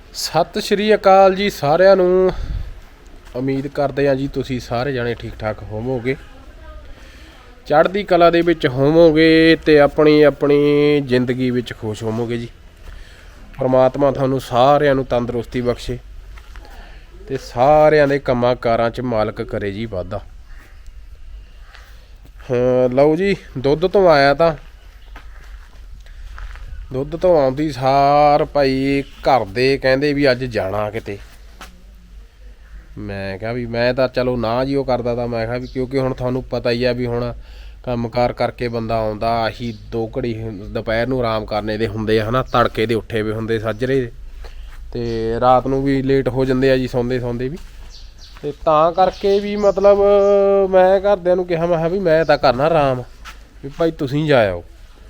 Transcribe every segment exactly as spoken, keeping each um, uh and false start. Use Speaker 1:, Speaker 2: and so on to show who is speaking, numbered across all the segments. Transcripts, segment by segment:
Speaker 1: ਸਤਿ ਸ਼੍ਰੀ ਅਕਾਲ ਜੀ ਸਾਰਿਆਂ ਨੂੰ। ਉਮੀਦ ਕਰਦੇ ਹਾਂ ਜੀ ਤੁਸੀਂ ਸਾਰੇ ਜਾਣੇ ਠੀਕ ਠਾਕ ਹੋਵੋਗੇ, ਚੜ੍ਹਦੀ ਕਲਾ ਦੇ ਵਿੱਚ ਹੋਵੋਗੇ ਤੇ ਆਪਣੀ ਆਪਣੀ ਜ਼ਿੰਦਗੀ ਵਿੱਚ ਖੁਸ਼ ਹੋਵੋਗੇ ਜੀ। ਪਰਮਾਤਮਾ ਤੁਹਾਨੂੰ ਸਾਰਿਆਂ ਨੂੰ ਤੰਦਰੁਸਤੀ ਬਖਸ਼ੇ ਤੇ ਸਾਰਿਆਂ ਦੇ ਕੰਮਾਂ ਕਾਰਾਂ 'ਚ ਮਾਲਕ ਕਰੇ ਜੀ ਵਾਧਾ। ਹਾਂ ਲਓ ਜੀ, ਦੁੱਧ ਤੋਂ ਆਇਆ ਤਾਂ ਦੁੱਧ ਤੋਂ ਆਉਂਦੀ ਸਾਰ ਭਾਈ ਘਰ ਦੇ ਕਹਿੰਦੇ ਵੀ ਅੱਜ ਜਾਣਾ ਕਿਤੇ। ਮੈਂ ਕਿਹਾ ਵੀ ਮੈਂ ਤਾਂ ਚਲੋ ਨਾ ਜੀ ਉਹ ਕਰਦਾ ਤਾਂ ਮੈਂ ਕਿਹਾ ਵੀ ਕਿਉਂਕਿ ਹੁਣ ਤੁਹਾਨੂੰ ਪਤਾ ਹੀ ਆ ਵੀ ਹੁਣ ਕੰਮ ਕਾਰ ਕਰਕੇ ਬੰਦਾ ਆਉਂਦਾ ਆਹੀ ਦੋ ਘੜੀ ਦੁਪਹਿਰ ਨੂੰ ਆਰਾਮ ਕਰਨੇ ਦੇ ਹੁੰਦੇ ਆ ਹੈ ਨਾ, ਤੜਕੇ ਦੇ ਉੱਠੇ ਵੇ ਹੁੰਦੇ ਸਾਜਰੇ ਤੇ ਰਾਤ ਨੂੰ ਵੀ ਲੇਟ ਹੋ ਜਾਂਦੇ ਆ ਜੀ ਸੌਂਦੇ ਸੌਂਦੇ ਵੀ। ਤੇ ਤਾਂ ਕਰਕੇ ਵੀ ਮਤਲਬ ਮੈਂ ਘਰਦਿਆਂ ਨੂੰ ਕਿਹਾ ਮੈਂ ਕਿਹਾ ਵੀ ਮੈਂ ਤਾਂ ਕਰਨਾ ਆਰਾਮ ਵੀ ਭਾਈ ਤੁਸੀਂ ਜਾ ਆਓ।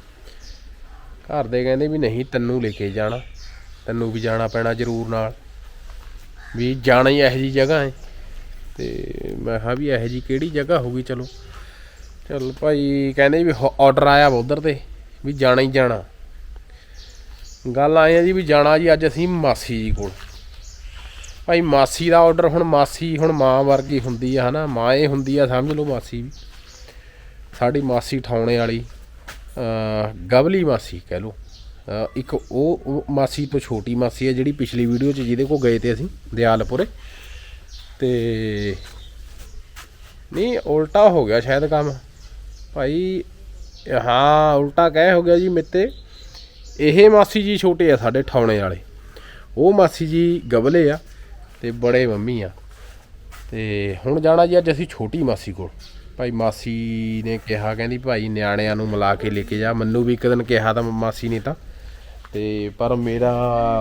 Speaker 1: ਘਰ ਦੇ ਕਹਿੰਦੇ ਵੀ ਨਹੀਂ ਤੈਨੂੰ ਲੈ ਕੇ ਜਾਣਾ, ਤੈਨੂੰ ਵੀ ਜਾਣਾ ਪੈਣਾ ਜ਼ਰੂਰ ਨਾਲ, ਵੀ ਜਾਣਾ ਹੀ ਇਹੋ ਜਿਹੀ ਜਗ੍ਹਾ ਹੈ। ਤੇ ਮੈਂ ਕਿਹਾ ਵੀ ਇਹੋ ਜਿਹੀ ਕਿਹੜੀ ਜਗ੍ਹਾ ਹੋਊਗੀ। ਚਲੋ ਚਲ ਭਾਈ ਕਹਿੰਦੇ ਵੀ ਔਡਰ ਆਇਆ ਵਾ ਉੱਧਰ ਤੇ ਵੀ ਜਾਣਾ ਹੀ ਜਾਣਾ। ਗੱਲ ਆਏ ਆ ਜੀ ਵੀ ਜਾਣਾ ਜੀ ਅੱਜ ਅਸੀਂ ਮਾਸੀ ਜੀ ਕੋਲ। ਭਾਈ ਮਾਸੀ ਦਾ ਔਡਰ, ਹੁਣ ਮਾਸੀ ਹੁਣ ਮਾਂ ਵਰਗੀ ਹੁੰਦੀ ਆ ਹੈ ਨਾ, ਮਾਂ ਇਹ ਹੁੰਦੀ ਆ ਸਮਝ ਲਓ ਮਾਸੀ ਵੀ। ਸਾਡੀ ਮਾਸੀ ਠਾਉਣੇ ਵਾਲੀ ਗਵਲੀ ਮਾਸੀ ਕਹਿ ਲਓ। ਇੱਕ ਉਹ ਮਾਸੀ ਤੋਂ ਛੋਟੀ ਮਾਸੀ ਹੈ ਜਿਹੜੀ ਪਿਛਲੀ ਵੀਡੀਓ 'ਚ ਜਿਹਦੇ ਕੋਲ ਗਏ ਤੇ ਅਸੀਂ ਦਿਆਲਪੁਰੇ। ਤੇ ਨਹੀਂ ਉਲਟਾ ਹੋ ਗਿਆ ਸ਼ਾਇਦ ਕੰਮ ਭਾਈ, ਹਾਂ ਉਲਟਾ ਕਹਿ ਹੋ ਗਿਆ ਜੀ ਮੇਤੇ। ਇਹ ਮਾਸੀ ਜੀ ਛੋਟੇ ਆ ਸਾਡੇ ਠਾਉਣੇ ਵਾਲੇ, ਉਹ ਮਾਸੀ ਜੀ ਗਵਲੇ ਆ ਤੇ ਬੜੇ ਮੰਮੀ ਆ। ਤੇ ਹੁਣ ਜਾਣਾ ਜੀ ਅੱਜ ਅਸੀਂ ਛੋਟੀ ਮਾਸੀ ਕੋਲ। ਭਾਈ ਮਾਸੀ ਨੇ ਕਿਹਾ ਕਹਿੰਦੀ ਭਾਈ ਨਿਆਣਿਆਂ ਨੂੰ ਮਿਲਾ ਕੇ ਲੈ ਕੇ ਜਾ। ਮੈਨੂੰ ਵੀ ਇੱਕ ਦਿਨ ਕਿਹਾ ਤਾਂ ਮਾਸੀ ਨੇ ਤਾਂ, ਤੇ ਪਰ ਮੇਰਾ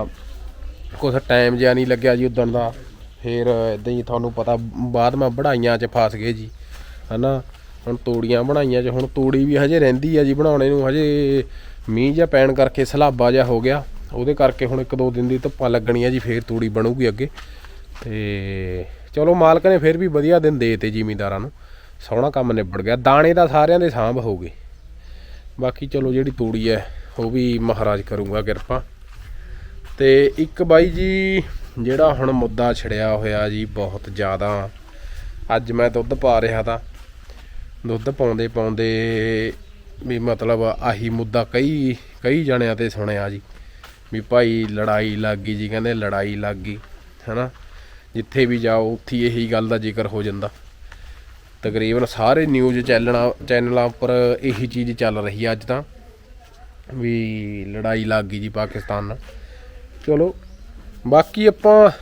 Speaker 1: ਕੁਛ ਟਾਈਮ ਜਿਹਾ ਨਹੀਂ ਲੱਗਿਆ ਜੀ ਉੱਦਣ ਦਾ। ਫਿਰ ਇੱਦਾਂ ਹੀ ਤੁਹਾਨੂੰ ਪਤਾ ਬਾਅਦ ਮੈਂ ਬਣਾਈਆਂ 'ਚ ਫਸ ਗਏ ਜੀ ਹੈ ਨਾ। ਹੁਣ ਤੂੜੀਆਂ ਬਣਾਈਆਂ 'ਚ, ਹੁਣ ਤੂੜੀ ਵੀ ਹਜੇ ਰਹਿੰਦੀ ਆ ਜੀ ਬਣਾਉਣੇ ਨੂੰ। ਹਜੇ ਮੀਂਹ ਜਿਹਾ ਪੈਣ ਕਰਕੇ ਸਲਾਬਾ ਜਿਹਾ ਹੋ ਗਿਆ, ਉਹਦੇ ਕਰਕੇ ਹੁਣ ਇੱਕ ਦੋ ਦਿਨ ਦੀ ਧੁੱਪਾਂ ਲੱਗਣੀਆਂ ਜੀ, ਫਿਰ ਤੂੜੀ ਬਣੂਗੀ ਅੱਗੇ। ਤੇ ਚਲੋ ਮਾਲਕ ਨੇ ਫਿਰ ਵੀ ਵਧੀਆ ਦਿਨ ਦੇ ਤੇ ਜ਼ਿਮੀਂਦਾਰਾਂ ਨੂੰ, ਸੋਹਣਾ ਕੰਮ ਨਿਬੜ ਗਿਆ। ਦਾਣੇ ਤਾਂ ਸਾਰਿਆਂ ਦੇ ਸਾਂਭ ਹੋ ਗਏ, ਬਾਕੀ ਚਲੋ ਜਿਹੜੀ ਤੂੜੀ ਹੈ ਉਹ ਵੀ ਮਹਾਰਾਜ ਕਰੂੰਗਾ ਕਿਰਪਾ। ਤੇ ਇੱਕ ਬਾਈ ਜੀ ਜਿਹੜਾ ਹੁਣ ਮੁੱਦਾ ਛਿੜਿਆ ਹੋਇਆ ਜੀ ਬਹੁਤ ਜ਼ਿਆਦਾ। ਅੱਜ ਮੈਂ ਦੁੱਧ ਪਾ ਰਿਹਾ ਤਾਂ ਦੁੱਧ ਪਾਉਂਦੇ ਪਾਉਂਦੇ ਵੀ ਮਤਲਬ ਆਹੀ ਮੁੱਦਾ ਕਈ ਕਈ ਜਣਿਆਂ 'ਤੇ ਸੁਣਿਆ ਜੀ ਵੀ ਭਾਈ ਲੜਾਈ ਲੱਗ ਗਈ ਜੀ। ਕਹਿੰਦੇ ਲੜਾਈ ਲੱਗ ਗਈ ਹੈ ਨਾ, ਜਿੱਥੇ ਵੀ ਜਾਓ ਉੱਥੇ ਇਹੀ ਗੱਲ ਦਾ ਜ਼ਿਕਰ ਹੋ ਜਾਂਦਾ। ਤਕਰੀਬਨ ਸਾਰੇ ਨਿਊਜ਼ ਚੈਨਲਾਂ ਚੈਨਲਾਂ ਉੱਪਰ ਇਹੀ ਚੀਜ਼ ਚੱਲ ਰਹੀ ਹੈ ਅੱਜ ਤਾਂ, ਵੀ ਲੜਾਈ ਲੱਗ ਗਈ ਜੀ ਪਾਕਿਸਤਾਨ ਨਾਲ। ਚਲੋ ਬਾਕੀ ਆਪਾਂ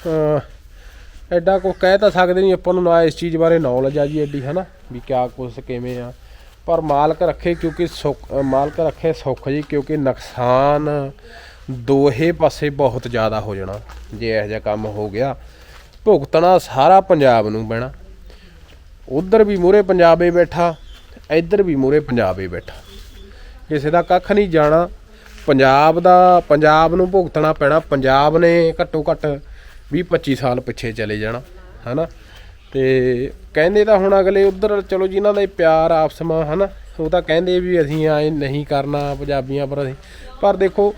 Speaker 1: ਐਡਾ ਕੁਛ ਕਹਿ ਤਾਂ ਸਕਦੇ ਨਹੀਂ, ਆਪਾਂ ਨੂੰ ਨਾ ਇਸ ਚੀਜ਼ ਬਾਰੇ ਨੌਲੇਜ ਆ ਜੀ ਐਡੀ ਹੈ ਨਾ, ਵੀ ਕਿਆ ਕੁਛ ਕਿਵੇਂ ਆ। ਪਰ ਮਾਲਕ ਰੱਖੇ ਕਿਉਂਕਿ ਸੁੱਖ, ਮਾਲਕ ਰੱਖੇ ਸੁੱਖ ਜੀ, ਕਿਉਂਕਿ ਨੁਕਸਾਨ ਦੋਹੇ ਪਾਸੇ ਬਹੁਤ ਜ਼ਿਆਦਾ ਹੋ ਜਾਣਾ ਜੇ ਇਹੋ ਜਿਹਾ ਕੰਮ ਹੋ ਗਿਆ। ਭੁਗਤਣਾ ਸਾਰਾ ਪੰਜਾਬ ਨੂੰ ਪੈਣਾ। ਉੱਧਰ ਵੀ ਮੂਹਰੇ ਪੰਜਾਬ ਏ ਬੈਠਾ, ਇੱਧਰ ਵੀ ਮੂਹਰੇ ਪੰਜਾਬ ਏ ਬੈਠਾ, ਕਿਸੇ ਦਾ ਕੱਖ ਨਹੀਂ ਜਾਣਾ। ਪੰਜਾਬ ਦਾ ਪੰਜਾਬ ਨੂੰ ਭੁਗਤਣਾ ਪੈਣਾ। ਪੰਜਾਬ ਨੇ ਘੱਟੋ ਘੱਟ ਵੀਹ ਪੱਚੀ ਸਾਲ ਪਿੱਛੇ ਚਲੇ ਜਾਣਾ ਹੈ ਨਾ। ਤੇ ਕਹਿੰਦੇ ਤਾਂ ਹੁਣ ਅਗਲੇ ਉੱਧਰ ਚਲੋ ਜਿਨ੍ਹਾਂ ਦਾ ਪਿਆਰ ਆਪਸ ਮਾ ਹੈ ਨਾ, ਉਹ ਤਾਂ ਕਹਿੰਦੇ ਵੀ ਅਸੀਂ ਐਂ ਨਹੀਂ ਕਰਨਾ ਪੰਜਾਬੀਆਂ ਪਰ। ਅਸੀਂ ਪਰ ਦੇਖੋ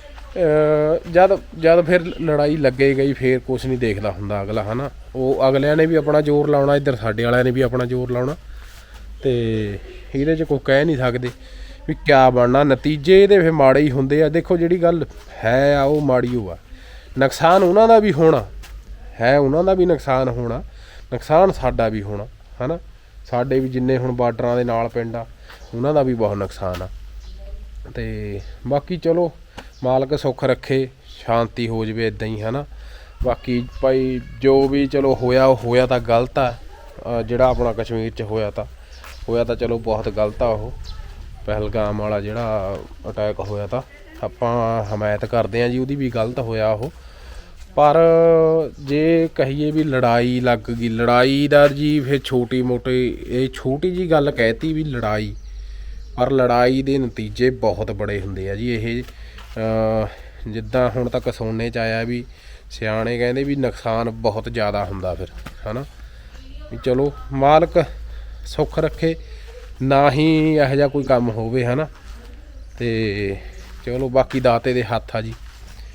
Speaker 1: ਜਦ ਜਦ ਫਿਰ ਲੜਾਈ ਲੱਗੇ ਗਈ ਫਿਰ ਕੁਛ ਨਹੀਂ ਦੇਖਦਾ ਹੁੰਦਾ ਅਗਲਾ ਹੈ ਨਾ। ਉਹ ਅਗਲਿਆਂ ਨੇ ਵੀ ਆਪਣਾ ਜ਼ੋਰ ਲਾਉਣਾ, ਇੱਧਰ ਸਾਡੇ ਵਾਲਿਆਂ ਨੇ ਵੀ ਆਪਣਾ ਜ਼ੋਰ ਲਾਉਣਾ, ਤੇ ਇਹਦੇ 'ਚ ਕੁਛ ਕਹਿ ਨਹੀਂ ਸਕਦੇ ਵੀ ਕਿਆ ਬਣਨਾ। ਨਤੀਜੇ ਇਹਦੇ ਫਿਰ ਮਾੜੇ ਹੀ ਹੁੰਦੇ ਆ। ਦੇਖੋ ਜਿਹੜੀ ਗੱਲ ਹੈ ਆ ਉਹ ਮਾੜੀ ਓ ਆ। ਨੁਕਸਾਨ ਉਹਨਾਂ ਦਾ ਵੀ ਹੋਣਾ ਹੈ, ਉਹਨਾਂ ਦਾ ਵੀ ਨੁਕਸਾਨ ਹੋਣਾ, ਨੁਕਸਾਨ ਸਾਡਾ ਵੀ ਹੋਣਾ ਹੈ ਨਾ। ਸਾਡੇ ਵੀ ਜਿੰਨੇ ਹੁਣ ਬਾਰਡਰਾਂ ਦੇ ਨਾਲ ਪਿੰਡ ਆ ਉਹਨਾਂ ਦਾ ਵੀ ਬਹੁਤ ਨੁਕਸਾਨ ਆ। ਤੇ ਬਾਕੀ ਚਲੋ ਮਾਲਕ ਸੁੱਖ ਰੱਖੇ, ਸ਼ਾਂਤੀ ਹੋ ਜਾਵੇ ਇੱਦਾਂ ਹੀ ਹੈ ਨਾ। ਬਾਕੀ ਭਾਈ ਜੋ ਵੀ ਚਲੋ ਹੋਇਆ ਉਹ ਹੋਇਆ ਤਾਂ ਗਲਤ ਆ। ਜਿਹੜਾ ਆਪਣਾ ਕਸ਼ਮੀਰ 'ਚ ਹੋਇਆ ਤਾਂ ਹੋਇਆ ਤਾਂ ਚਲੋ ਬਹੁਤ ਗਲਤ ਆ। ਉਹ ਪਹਿਲਗਾਮ ਵਾਲਾ ਜਿਹੜਾ ਅਟੈਕ ਹੋਇਆ ਤਾਂ ਆਪਾਂ ਹਮਾਇਤ ਕਰਦੇ ਹਾਂ ਜੀ ਉਹਦੀ, ਵੀ ਗਲਤ ਹੋਇਆ ਉਹ। ਪਰ ਜੇ ਕਹੀਏ ਵੀ ਲੜਾਈ ਲੱਗ ਗਈ, ਲੜਾਈ ਦਾ ਜੀ ਫਿਰ ਛੋਟੀ ਮੋਟੀ ਇਹ ਛੋਟੀ ਜਿਹੀ ਗੱਲ ਕਹਿਤੀ ਵੀ ਲੜਾਈ, ਪਰ ਲੜਾਈ ਦੇ ਨਤੀਜੇ ਬਹੁਤ ਬੜੇ ਹੁੰਦੇ ਆ ਜੀ। ਇਹ ਜਿੱਦਾਂ ਹੁਣ ਤੱਕ ਸੁਣਨੇ 'ਚ ਆਇਆ ਵੀ ਸਿਆਣੇ ਕਹਿੰਦੇ ਵੀ ਨੁਕਸਾਨ ਬਹੁਤ ਜ਼ਿਆਦਾ ਹੁੰਦਾ ਫਿਰ ਹੈ ਨਾ। ਵੀ ਚਲੋ ਮਾਲਕ ਸੁੱਖ ਰੱਖੇ, ਨਾ ਹੀ ਇਹੋ ਜਿਹਾ ਕੋਈ ਕੰਮ ਹੋਵੇ ਹੈ ਨਾ। ਤੇ ਚਲੋ ਬਾਕੀ ਦਾਤੇ ਦੇ ਹੱਥ ਆ ਜੀ,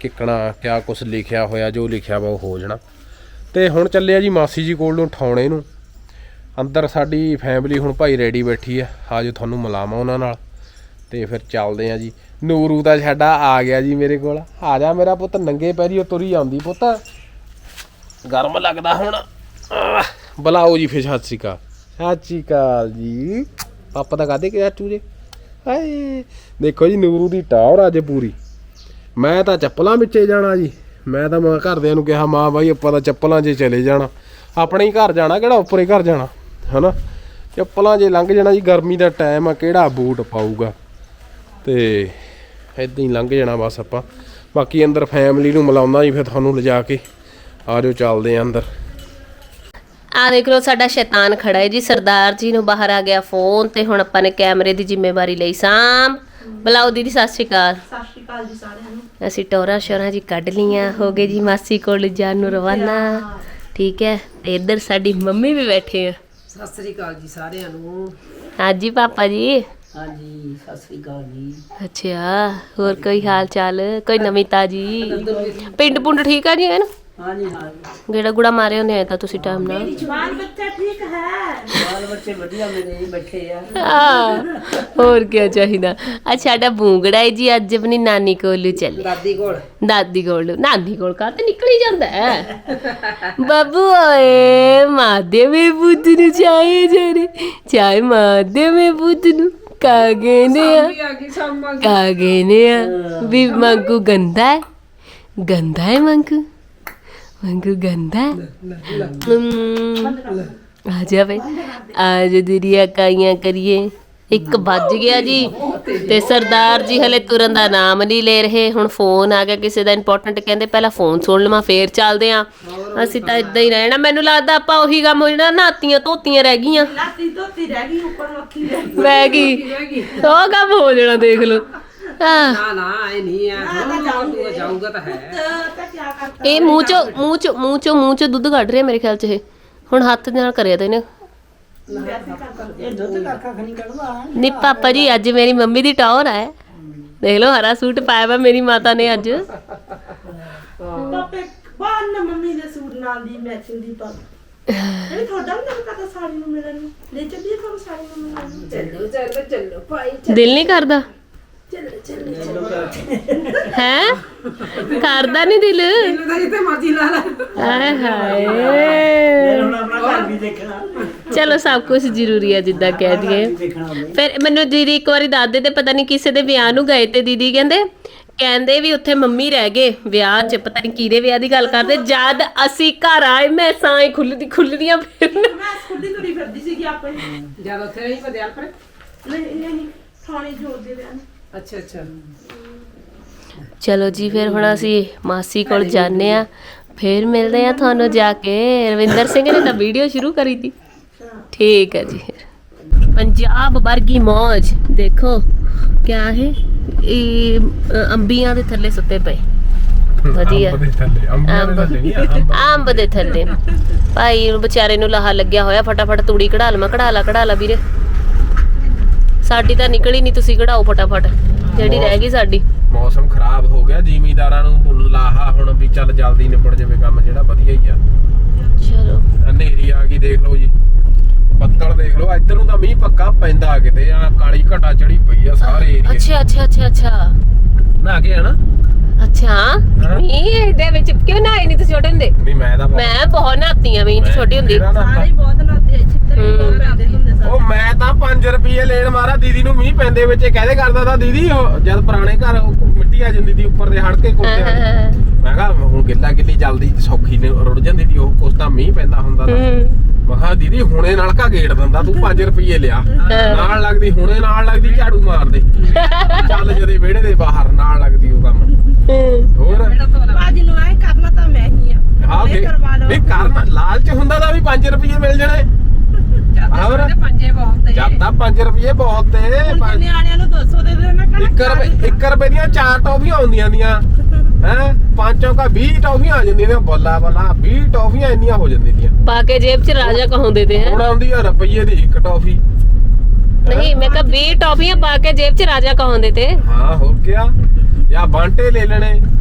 Speaker 1: ਕਿੱਕਣਾ ਕਿਆ ਕੁਛ ਲਿਖਿਆ ਹੋਇਆ, ਜੋ ਲਿਖਿਆ ਵਾ ਉਹ ਹੋ ਜਾਣਾ। ਤੇ ਹੁਣ ਚੱਲਿਆ ਜੀ ਮਾਸੀ ਜੀ ਕੋਲ ਨੂੰ ਠਾਉਣੇ ਨੂੰ। ਅੰਦਰ ਸਾਡੀ ਫੈਮਿਲੀ ਹੁਣ ਭਾਈ ਰੈਡੀ ਬੈਠੀ ਆ, ਆਜੋ ਤੁਹਾਨੂੰ ਮਿਲਾਵਾਂ ਉਹਨਾਂ ਨਾਲ ਤੇ ਫਿਰ ਚੱਲਦੇ ਆ ਜੀ। ਨੂਰੂ ਦਾ ਸਾਡਾ ਆ ਗਿਆ ਜੀ ਮੇਰੇ ਕੋਲ। ਆ ਜਾ ਮੇਰਾ ਪੁੱਤ, ਨੰਗੇ ਪੈਰੀ ਉਹ ਤੁਰੀ ਆਉਂਦੀ ਪੁੱਤ, ਗਰਮ ਲੱਗਦਾ ਹੁਣ। ਬੁਲਾਓ ਜੀ ਫਿਰ। ਸਤਿ ਸ਼੍ਰੀ ਅਕਾਲ। ਸਤਿ ਸ਼੍ਰੀ ਅਕਾਲ ਜੀ। ਪਾਪਾ ਤਾਂ ਕਾਹਦੇ ਕਿ ਚਾਚੂ ਜੇ। ਹਾਏ ਦੇਖੋ ਜੀ ਨੂਰੂ ਦੀ ਟਾਵਰ ਅੱਜ ਪੂਰੀ। ਮੈਂ ਤਾਂ ਚੱਪਲਾਂ ਵਿੱਚੇ ਜਾਣਾ ਜੀ। ਮੈਂ ਤਾਂ ਮੈਂ ਘਰਦਿਆਂ ਨੂੰ ਕਿਹਾ ਮਾਂ ਬਾਈ ਆਪਾਂ ਤਾਂ ਚੱਪਲਾਂ 'ਚ ਚਲੇ ਜਾਣਾ, ਆਪਣੇ ਹੀ ਘਰ ਜਾਣਾ, ਕਿਹੜਾ ਉੱਪਰੇ ਘਰ ਜਾਣਾ ਹੈ ਨਾ। ਚੱਪਲਾਂ 'ਚ ਲੰਘ ਜਾਣਾ ਜੀ, ਗਰਮੀ ਦਾ ਟਾਈਮ ਆ, ਕਿਹੜਾ ਬੂਟ ਪਾਊਗਾ। ਤੇ ਇੱਦਾਂ ਹੀ ਲੰਘ ਜਾਣਾ ਬਸ ਆਪਾਂ। ਬਾਕੀ ਅੰਦਰ ਫੈਮਿਲੀ ਨੂੰ ਮਿਲਾਉਂਦਾ ਜੀ ਫਿਰ ਤੁਹਾਨੂੰ ਲਿਜਾ ਕੇ। ਆ ਜਾਓ ਚੱਲਦੇ ਆ ਅੰਦਰ।
Speaker 2: ਆ ਦੇਖ ਲਓ ਸਾਡਾ ਸ਼ੈਤਾਨ ਖੜਾ ਹੈ ਜੀ। ਸਰਦਾਰ ਜੀ ਨੂੰ ਬਾਹਰ ਆ ਗਿਆ ਫੋਨ ਤੇ ਹੁਣ ਆਪਾਂ ਨੇ ਕੈਮਰੇ ਦੀ ਜ਼ਿੰਮੇਵਾਰੀ ਲਈ ਸਾਂਭ। ਬੁਲਾਓ ਦੀਦੀ। ਸਤਿ ਸ਼੍ਰੀ ਅਕਾਲ।
Speaker 3: ਸਤਿ ਸ਼੍ਰੀ ਅਕਾਲ ਜੀ ਸਾਰਿਆਂ ਨੂੰ।
Speaker 2: ਅਸੀਂ ਟੋਰਾ ਸ਼ੋਰਾਂ ਜੀ ਕੱਢ ਲੀਆਂ, ਹੋ ਗਏ ਜੀ ਮਾਸੀ ਕੋਲ ਜਾਣ ਨੂੰ ਰਵਾਨਾ। ਠੀਕ ਹੈ। ਤੇ ਇੱਧਰ ਸਾਡੀ ਮੰਮੀ ਵੀ ਬੈਠੇ ਆ।
Speaker 3: ਸਤਿ ਸ੍ਰੀ ਅਕਾਲ ਜੀ ਸਾਰਿਆਂ ਨੂੰ।
Speaker 2: ਹਾਂਜੀ ਪਾਪਾ ਜੀ।
Speaker 3: ਹਾਂਜੀ ਸਤਿ ਸ੍ਰੀ ਅਕਾਲ ਜੀ।
Speaker 2: ਅੱਛਾ, ਹੋਰ ਕੋਈ ਹਾਲ ਚਾਲ, ਕੋਈ ਨਵੀਂ ਤਾਜੀ? ਪਿੰਡ ਪੁੰਡ ਠੀਕ ਆ ਜੀ? ਹੈ ਨਾ।
Speaker 3: ਹਾਂਜੀ ਹਾਂਜੀ।
Speaker 2: ਗੇੜਾ ਗੁੜਾ ਮਾਰੇ ਹੁੰਦੇ ਆ ਤਾਂ ਤੁਸੀਂ ਟਾਈਮ ਨਾਲ।
Speaker 3: ਬਾਲ ਬੱਚਾ ਠੀਕ ਹੈ? ਬਾਲ ਬੱਚੇ ਵਧੀਆ ਮੇਰੇ ਬੈਠੇ ਆ।
Speaker 2: ਹਾਂ, ਹੋਰ ਕੀ ਚਾਹੀਦਾ। ਅੱਜ ਸਾਡਾ ਬੂੰਗੜਾ ਹੈ ਜੀ, ਅੱਜ ਆਪਣੀ ਨਾਨੀ ਕੋਲ ਚੱਲੇ।
Speaker 3: ਦਾਦੀ ਕੋਲ।
Speaker 2: ਦਾਦੀ ਕੋਲ। ਨਾਨੀ ਕੋਲ ਕਾ ਤੇ ਨਿਕਲ ਹੀ ਜਾਂਦਾ ਹੈ। ਬਾਬੂ ਓਏ ਮਾਦੇ ਮੇ ਬੁੱਧ ਨੂੰ ਚਾਹੇ ਜਰੇ ਚਾਹੇ ਮਾਦੇ ਮੇ ਬੁੱਧ ਨੂੰ ਕਾਗੇ ਨੇ ਆ ਕਾਗੇ ਨੇ ਆ ਵੀ ਮੰਗੂ ਗੰਦਾ ਹੈ, ਗੰਦਾ ਹੈ ਮੰਗੂ, ਮੰਗੂ ਗੰਦਾ ਹੈ। ਆ ਜਾ ਬਈ, ਅੱਜ ਦੁਰੀਆ ਕਾਈਆਂ ਕਰੀਏ। ਇੱਕ ਵੱਜ ਗਿਆ ਜੀ ਤੇ ਸਰਦਾਰ ਜੀ ਹਲੇ ਤੁਰਨ ਦਾ ਨਾਮ ਨਹੀਂ ਲੈ ਰਹੇ। ਹੁਣ ਫੋਨ ਆ ਗਿਆ ਕਿਸੇ ਦਾ ਇੰਪੋਰਟੈਂਟ, ਕਹਿੰਦੇ ਪਹਿਲਾਂ ਫੋਨ ਸੁਣ ਲਵਾਂ ਫੇਰ ਚੱਲਦੇ ਆ। ਅਸੀਂ ਤਾਂ ਇਦਾਂ ਹੀ ਰਹਿਣਾ। ਮੈਨੂੰ ਲੱਗਦਾ ਆਪਾਂ ਉਹੀ ਕੰਮ ਹੋ ਜਾਣਾ, ਨਹਾਤੀਆਂ ਧੋਤੀਆਂ ਰਹਿ ਗਈਆਂ।
Speaker 3: ਲਾਤੀ ਧੋਤੀ ਰਹਿ ਗਈ, ਉੱਪਰ ਮੱਖੀ
Speaker 2: ਰਹਿ ਗਈ, ਉਹ ਕੰਮ ਹੋ ਜਾਣਾ ਦੇਖ ਲਓ। ਹਾਂ
Speaker 3: ਨਾ ਨਾ ਇਹ ਨਹੀਂ ਆ, ਜਾਊਗਾ ਜਾਊਗਾ ਤਾਂ ਹੈ। ਤਾਂ ਕੀ ਕਰਤਾ
Speaker 2: ਇਹ ਮੂੰਹ ਚੋਂ ਮੂੰਹ ਚੋਂ ਮੂੰਹ ਚੋਂ ਮੂੰਹ ਚੋਂ ਦੁੱਧ ਕੱਢ ਰਿਹਾ ਮੇਰੇ ਖਿਆਲ ਚ। ਇਹ ਹੁਣ ਹੱਥ ਦੇ ਨਾਲ ਕਰਿਆ ਤੇ ਇਹਨੇ।
Speaker 3: ਇਹ ਦੁੱਧ ਕਾਕਾ ਖਣੀ ਕੱਢਵਾ।
Speaker 2: ਨੀ ਪਾਪਾ ਜੀ ਅੱਜ ਮੇਰੀ ਮੰਮੀ ਦੀ ਟੌਰ ਹੈ। ਦੇਖ ਲਓ ਹਰਾ ਸੂਟ ਪਾਇਆ ਵਾ ਮੇਰੀ ਮਾਤਾ ਨੇ ਅੱਜ।
Speaker 3: ਪਾਪੇ ਬਾਹਰ ਨਾ ਮੰਮੀ ਦੇ ਸੂਟ ਨਾਲ ਦੀ ਮੈਚਿੰਗ ਦੀ ਪਾ। ਇਹ ਤੁਹਾਡਾ ਵੀ ਨਾ ਕਹਤਾ ਸਾੜੀ ਨੂੰ ਮਿਲਣ ਨੂੰ। ਲੈ ਚੱਲੀਏ ਤੁਹਾਨੂੰ ਸਾੜੀ ਨੂੰ ਮਿਲਣ ਨੂੰ। ਚੱਲੋ ਚੱਲੋ ਚੱਲੋ ਭਾਈ।
Speaker 2: ਦਿਲ ਨਹੀਂ ਕਰਦਾ
Speaker 3: ਚੱਲੋ ਚੱਲੋ
Speaker 2: ਹੈ? ਕਰਦਾ ਨਹੀਂ ਦਿਲ?
Speaker 3: ਚੱਲੋ ਜਿੱਥੇ ਮਰਜ਼ੀ ਲਾ ਲੈ।
Speaker 2: ਹਾਏ ਹਾਏ,
Speaker 3: ਹੁਣ ਆਪਣਾ ਘਰ ਵੀ ਦੇਖਣਾ।
Speaker 2: ਚਲੋ ਸਭ ਕੁਝ ਜ਼ਰੂਰੀ ਹੈ ਜਿੱਦਾਂ ਕਹਿ ਦਈਏ। ਫਿਰ ਮੈਨੂੰ ਦੀਦੀ ਇੱਕ ਵਾਰੀ ਦਾਦੇ ਦੇ ਪਤਾ ਨਹੀਂ ਕਿਸੇ ਦੇ ਵਿਆਹ ਨੂੰ ਗਏ ਤੇ ਦੀਦੀ ਕਹਿੰਦੇ ਕਹਿੰਦੇ ਵੀ ਉੱਥੇ ਮੰਮੀ ਰਹਿ ਗਏ ਵਿਆਹ 'ਚ, ਪਤਾ ਨਹੀਂ ਕਿਹਦੇ ਵਿਆਹ ਦੀ ਗੱਲ ਕਰਦੇ। ਜਦ ਅਸੀਂ ਘਰ ਆਏ ਮੈਂ ਸਾਂ ਖੁੱਲਦੀ ਖੁੱਲਦੀਆਂ ਫਿਰ
Speaker 3: ਮੈਂ ਖੁੱਲੀ ਤੁਰੀ ਫਿਰਦੀ ਸੀਗੀ ਆਪਣੀ। ਜਦ ਉੱਥੇ ਨਹੀਂ ਪਦਿਆਲ ਪਰ ਨਹੀਂ ਨਹੀਂ ਥਾਣੇ ਜੋੜ ਦੇ ਵਿਆਹ। ਅੱਛਾ ਅੱਛਾ।
Speaker 2: ਚਲੋ ਜੀ ਫਿਰ ਹੁਣ ਅਸੀਂ ਮਾਸੀ ਕੋਲ ਜਾਂਦੇ ਆ, ਫਿਰ ਮਿਲਦੇ ਆ ਤੁਹਾਨੂੰ ਜਾ ਕੇ। ਰਵਿੰਦਰ ਸਿੰਘ ਨੇ ਤਾਂ ਵੀਡੀਓ ਸ਼ੁਰੂ ਕਰੀ ਤੀ। ਠੀਕ ਹੈ ਜੀ। ਪੰਜਾਬ ਵਰਗੀ ਮੌਜ ਦੇਖੋ ਕਿਆ ਹੈ। ਇਹ ਅੰਬੀਆਂ ਦੇ ਥੱਲੇ ਸੁੱਤੇ ਪਏ ਵਧੀਆ। ਅੰਬ ਦੇ ਥੱਲੇ ਭਾਈ ਵਿਚਾਰੇ ਨੂੰ ਲਾਹਾ ਲੱਗਿਆ ਹੋਇਆ। ਫਟਾਫਟ ਤੂੜੀ ਕਢਾ ਲਵਾਂ। ਕਢਾ ਲਾ ਕਢਾ ਲਾ ਵੀਰੇ, ਸਾਡੀ ਤਾਂ ਨਿਕਲੀ ਨਹੀਂ, ਤੁਸੀਂ ਕਢਾਓ ਫਟਾਫਟ ਜਿਹੜੀ ਰਹਿ ਗਈ ਸਾਡੀ।
Speaker 1: ਮੌਸਮ ਖਰਾਬ ਹੋ ਗਿਆ, ਜ਼ਿਮੀਂਦਾਰਾਂ ਨੂੰ ਲਾਹਾ ਹੁਣ ਵੀ ਚੱਲ ਜਲਦੀ ਨਿਬੜ ਜਾਵੇ ਕੰਮ, ਜਿਹੜਾ ਵਧੀਆ ਹੀ ਆ।
Speaker 2: ਚਲੋ
Speaker 1: ਹਨੇਰੀ ਆ ਗਈ ਦੇਖ ਲਓ ਜੀ, ਬੱਦਲ ਦੇਖ ਲਓ। ਇੱਧਰ ਨੂੰ ਤਾਂ ਮੀਂਹ ਪੱਕਾ ਪੈਂਦਾ ਕਿਤੇ ਆ, ਕਾਲੀ ਘਟਾ ਚੜੀ ਪਈ ਆ ਸਾਰੇ ਏਰੀਏ।
Speaker 2: ਅੱਛਾ ਅੱਛਾ ਅੱਛਾ ਅੱਛਾ
Speaker 1: ਨਾ ਕੇ ਹਨਾ।
Speaker 2: ਅੱਛਾ ਮੀਂਹ ਦੇ ਵਿੱਚ ਕਿਉਂ ਨਹਾਏ ਨਹੀਂ ਤੁਸੀਂ ਛੋਟੇ ਹੁੰਦੇ?
Speaker 1: ਨਹੀਂ ਮੈਂ ਤਾਂ
Speaker 2: ਮੈਂ ਬਹੁਤ ਨਹਾਤੀ ਆ ਮੀਂਹ ਚ ਛੋਟੀ ਹੁੰਦੀ।
Speaker 3: ਸਾਰੇ ਬਹੁਤ ਨਾਤੇ ਛਿੱਤਰ ਵੀ ਬਹੁਤ ਪੈਂਦੇ ਹੁੰਦੇ ਸਾਰੇ।
Speaker 1: ਉਹ ਮੈਂ ਤਾਂ ਪੰਜ ਰੁਪਏ ਲੈਣ ਮਾਰਾ ਦੀਦੀ ਨੂੰ ਮੀਂਹ ਪੈਂਦੇ ਵਿੱਚ ਕਹਦੇ ਕਰਦਾ ਤਾਂ ਦੀਦੀ ਉਹ ਜਦ ਪੁਰਾਣੇ ਘਰ ਮਿੱਟੀ ਆ ਜਾਂਦੀ ਸੀ ਉੱਪਰ ਦੇ ਹੜ ਕੇ ਕੋਠੇ ਵਾਲੇ। ਮੈਂ ਕਿਹਾ ਹੁਣ ਗਿੱਲਾ ਗਿੱਲੀ ਜਲਦੀ ਸੌਖੀ ਨੇ ਰੁੜ ਜਾਂਦੀ ਸੀ ਉਹ, ਕੁਛ ਤਾਂ ਮੀਂਹ ਪੈਂਦਾ ਹੁੰਦਾ ਤਾਂ। ਮੈਂ ਕਿਹਾ ਦੀਦੀ ਹੁਣੇ ਨਲਕਾ ਗੇੜ ਦਿੰਦਾ ਤੂੰ, ਪੰਜ ਰੁਪਏ ਲਿਆ ਨਾਲ ਲੱਗਦੀ, ਹੁਣੇ ਨਾਲ ਲੱਗਦੀ ਝਾੜੂ ਮਾਰਦੇ ਚੱਲ ਜਦੇ ਵਿਹੜੇ ਦੇ ਬਾਹਰ ਨਾਲ ਲੱਗਦੀ ਉਹ ਕੰਮ। ਹੋਰ
Speaker 3: ਬਾਜੀ ਨੂੰ ਐ ਕਰਨਾ ਤਾਂ ਮੈਂ ਹੀ ਆ।
Speaker 1: ਹਾਂ ਨਹੀਂ ਕਰਨਾ, ਲਾਲਚ ਹੁੰਦਾ ਤਾਂ ਵੀ ਪੰਜ ਰੁਪਏ ਮਿਲ ਜਾਣੇ। ਹੋਰ
Speaker 3: ਪੰਜੇ ਬਹੁਤ
Speaker 1: ਜਦ ਤਾਂ ਪੰਜ ਰੁਪਏ ਬਹੁਤ ਤੇ
Speaker 3: ਨਿਆਣਿਆਂ ਨੂੰ ਦੋ ਸੌ ਦੇ ਦੇਣਾ।
Speaker 1: ਇੱਕ ਰੁਪਏ ਇੱਕ ਰੁਪਏ ਦੀਆਂ ਚਾਰ ਟੌਫੀਆਂ ਆਉਂਦੀਆਂ ਦੀਆਂ ਹੈ, ਪੰਜ ਚੌਂਕਾ ਵੀਹ ਟੌਫੀਆਂ ਆ ਜਾਂਦੀਆਂ ਨੇ। ਬੱਲਾ ਬੱਲਾ ਵੀਹ ਟੌਫੀਆਂ ਇੰਨੀਆਂ ਹੋ ਜਾਂਦੀਆਂ ਦੀਆਂ
Speaker 2: ਪਾ ਕੇ ਜੇਬ ਚ ਰਾਜਾ ਕਹਾਉਂਦੇ ਤੇ ਹੈ।
Speaker 1: ਹੁਣ ਆਉਂਦੀ ਆ ਰੁਪਈਏ ਦੀ ਇੱਕ ਟੌਫੀ।
Speaker 2: ਨਹੀਂ ਮੈਂ ਕਿਹਾ ਵੀਹ ਟੌਫੀਆਂ ਪਾ ਕੇ ਜੇਬ ਚ ਰਾਜਾ ਕਹਾਉਂਦੇ ਤੇ।
Speaker 1: ਹਾਂ ਹੋਰ ਕਿਆ, ਜਾਂ ਬਾਂਟੇ ਲੈ ਲੈਣੇ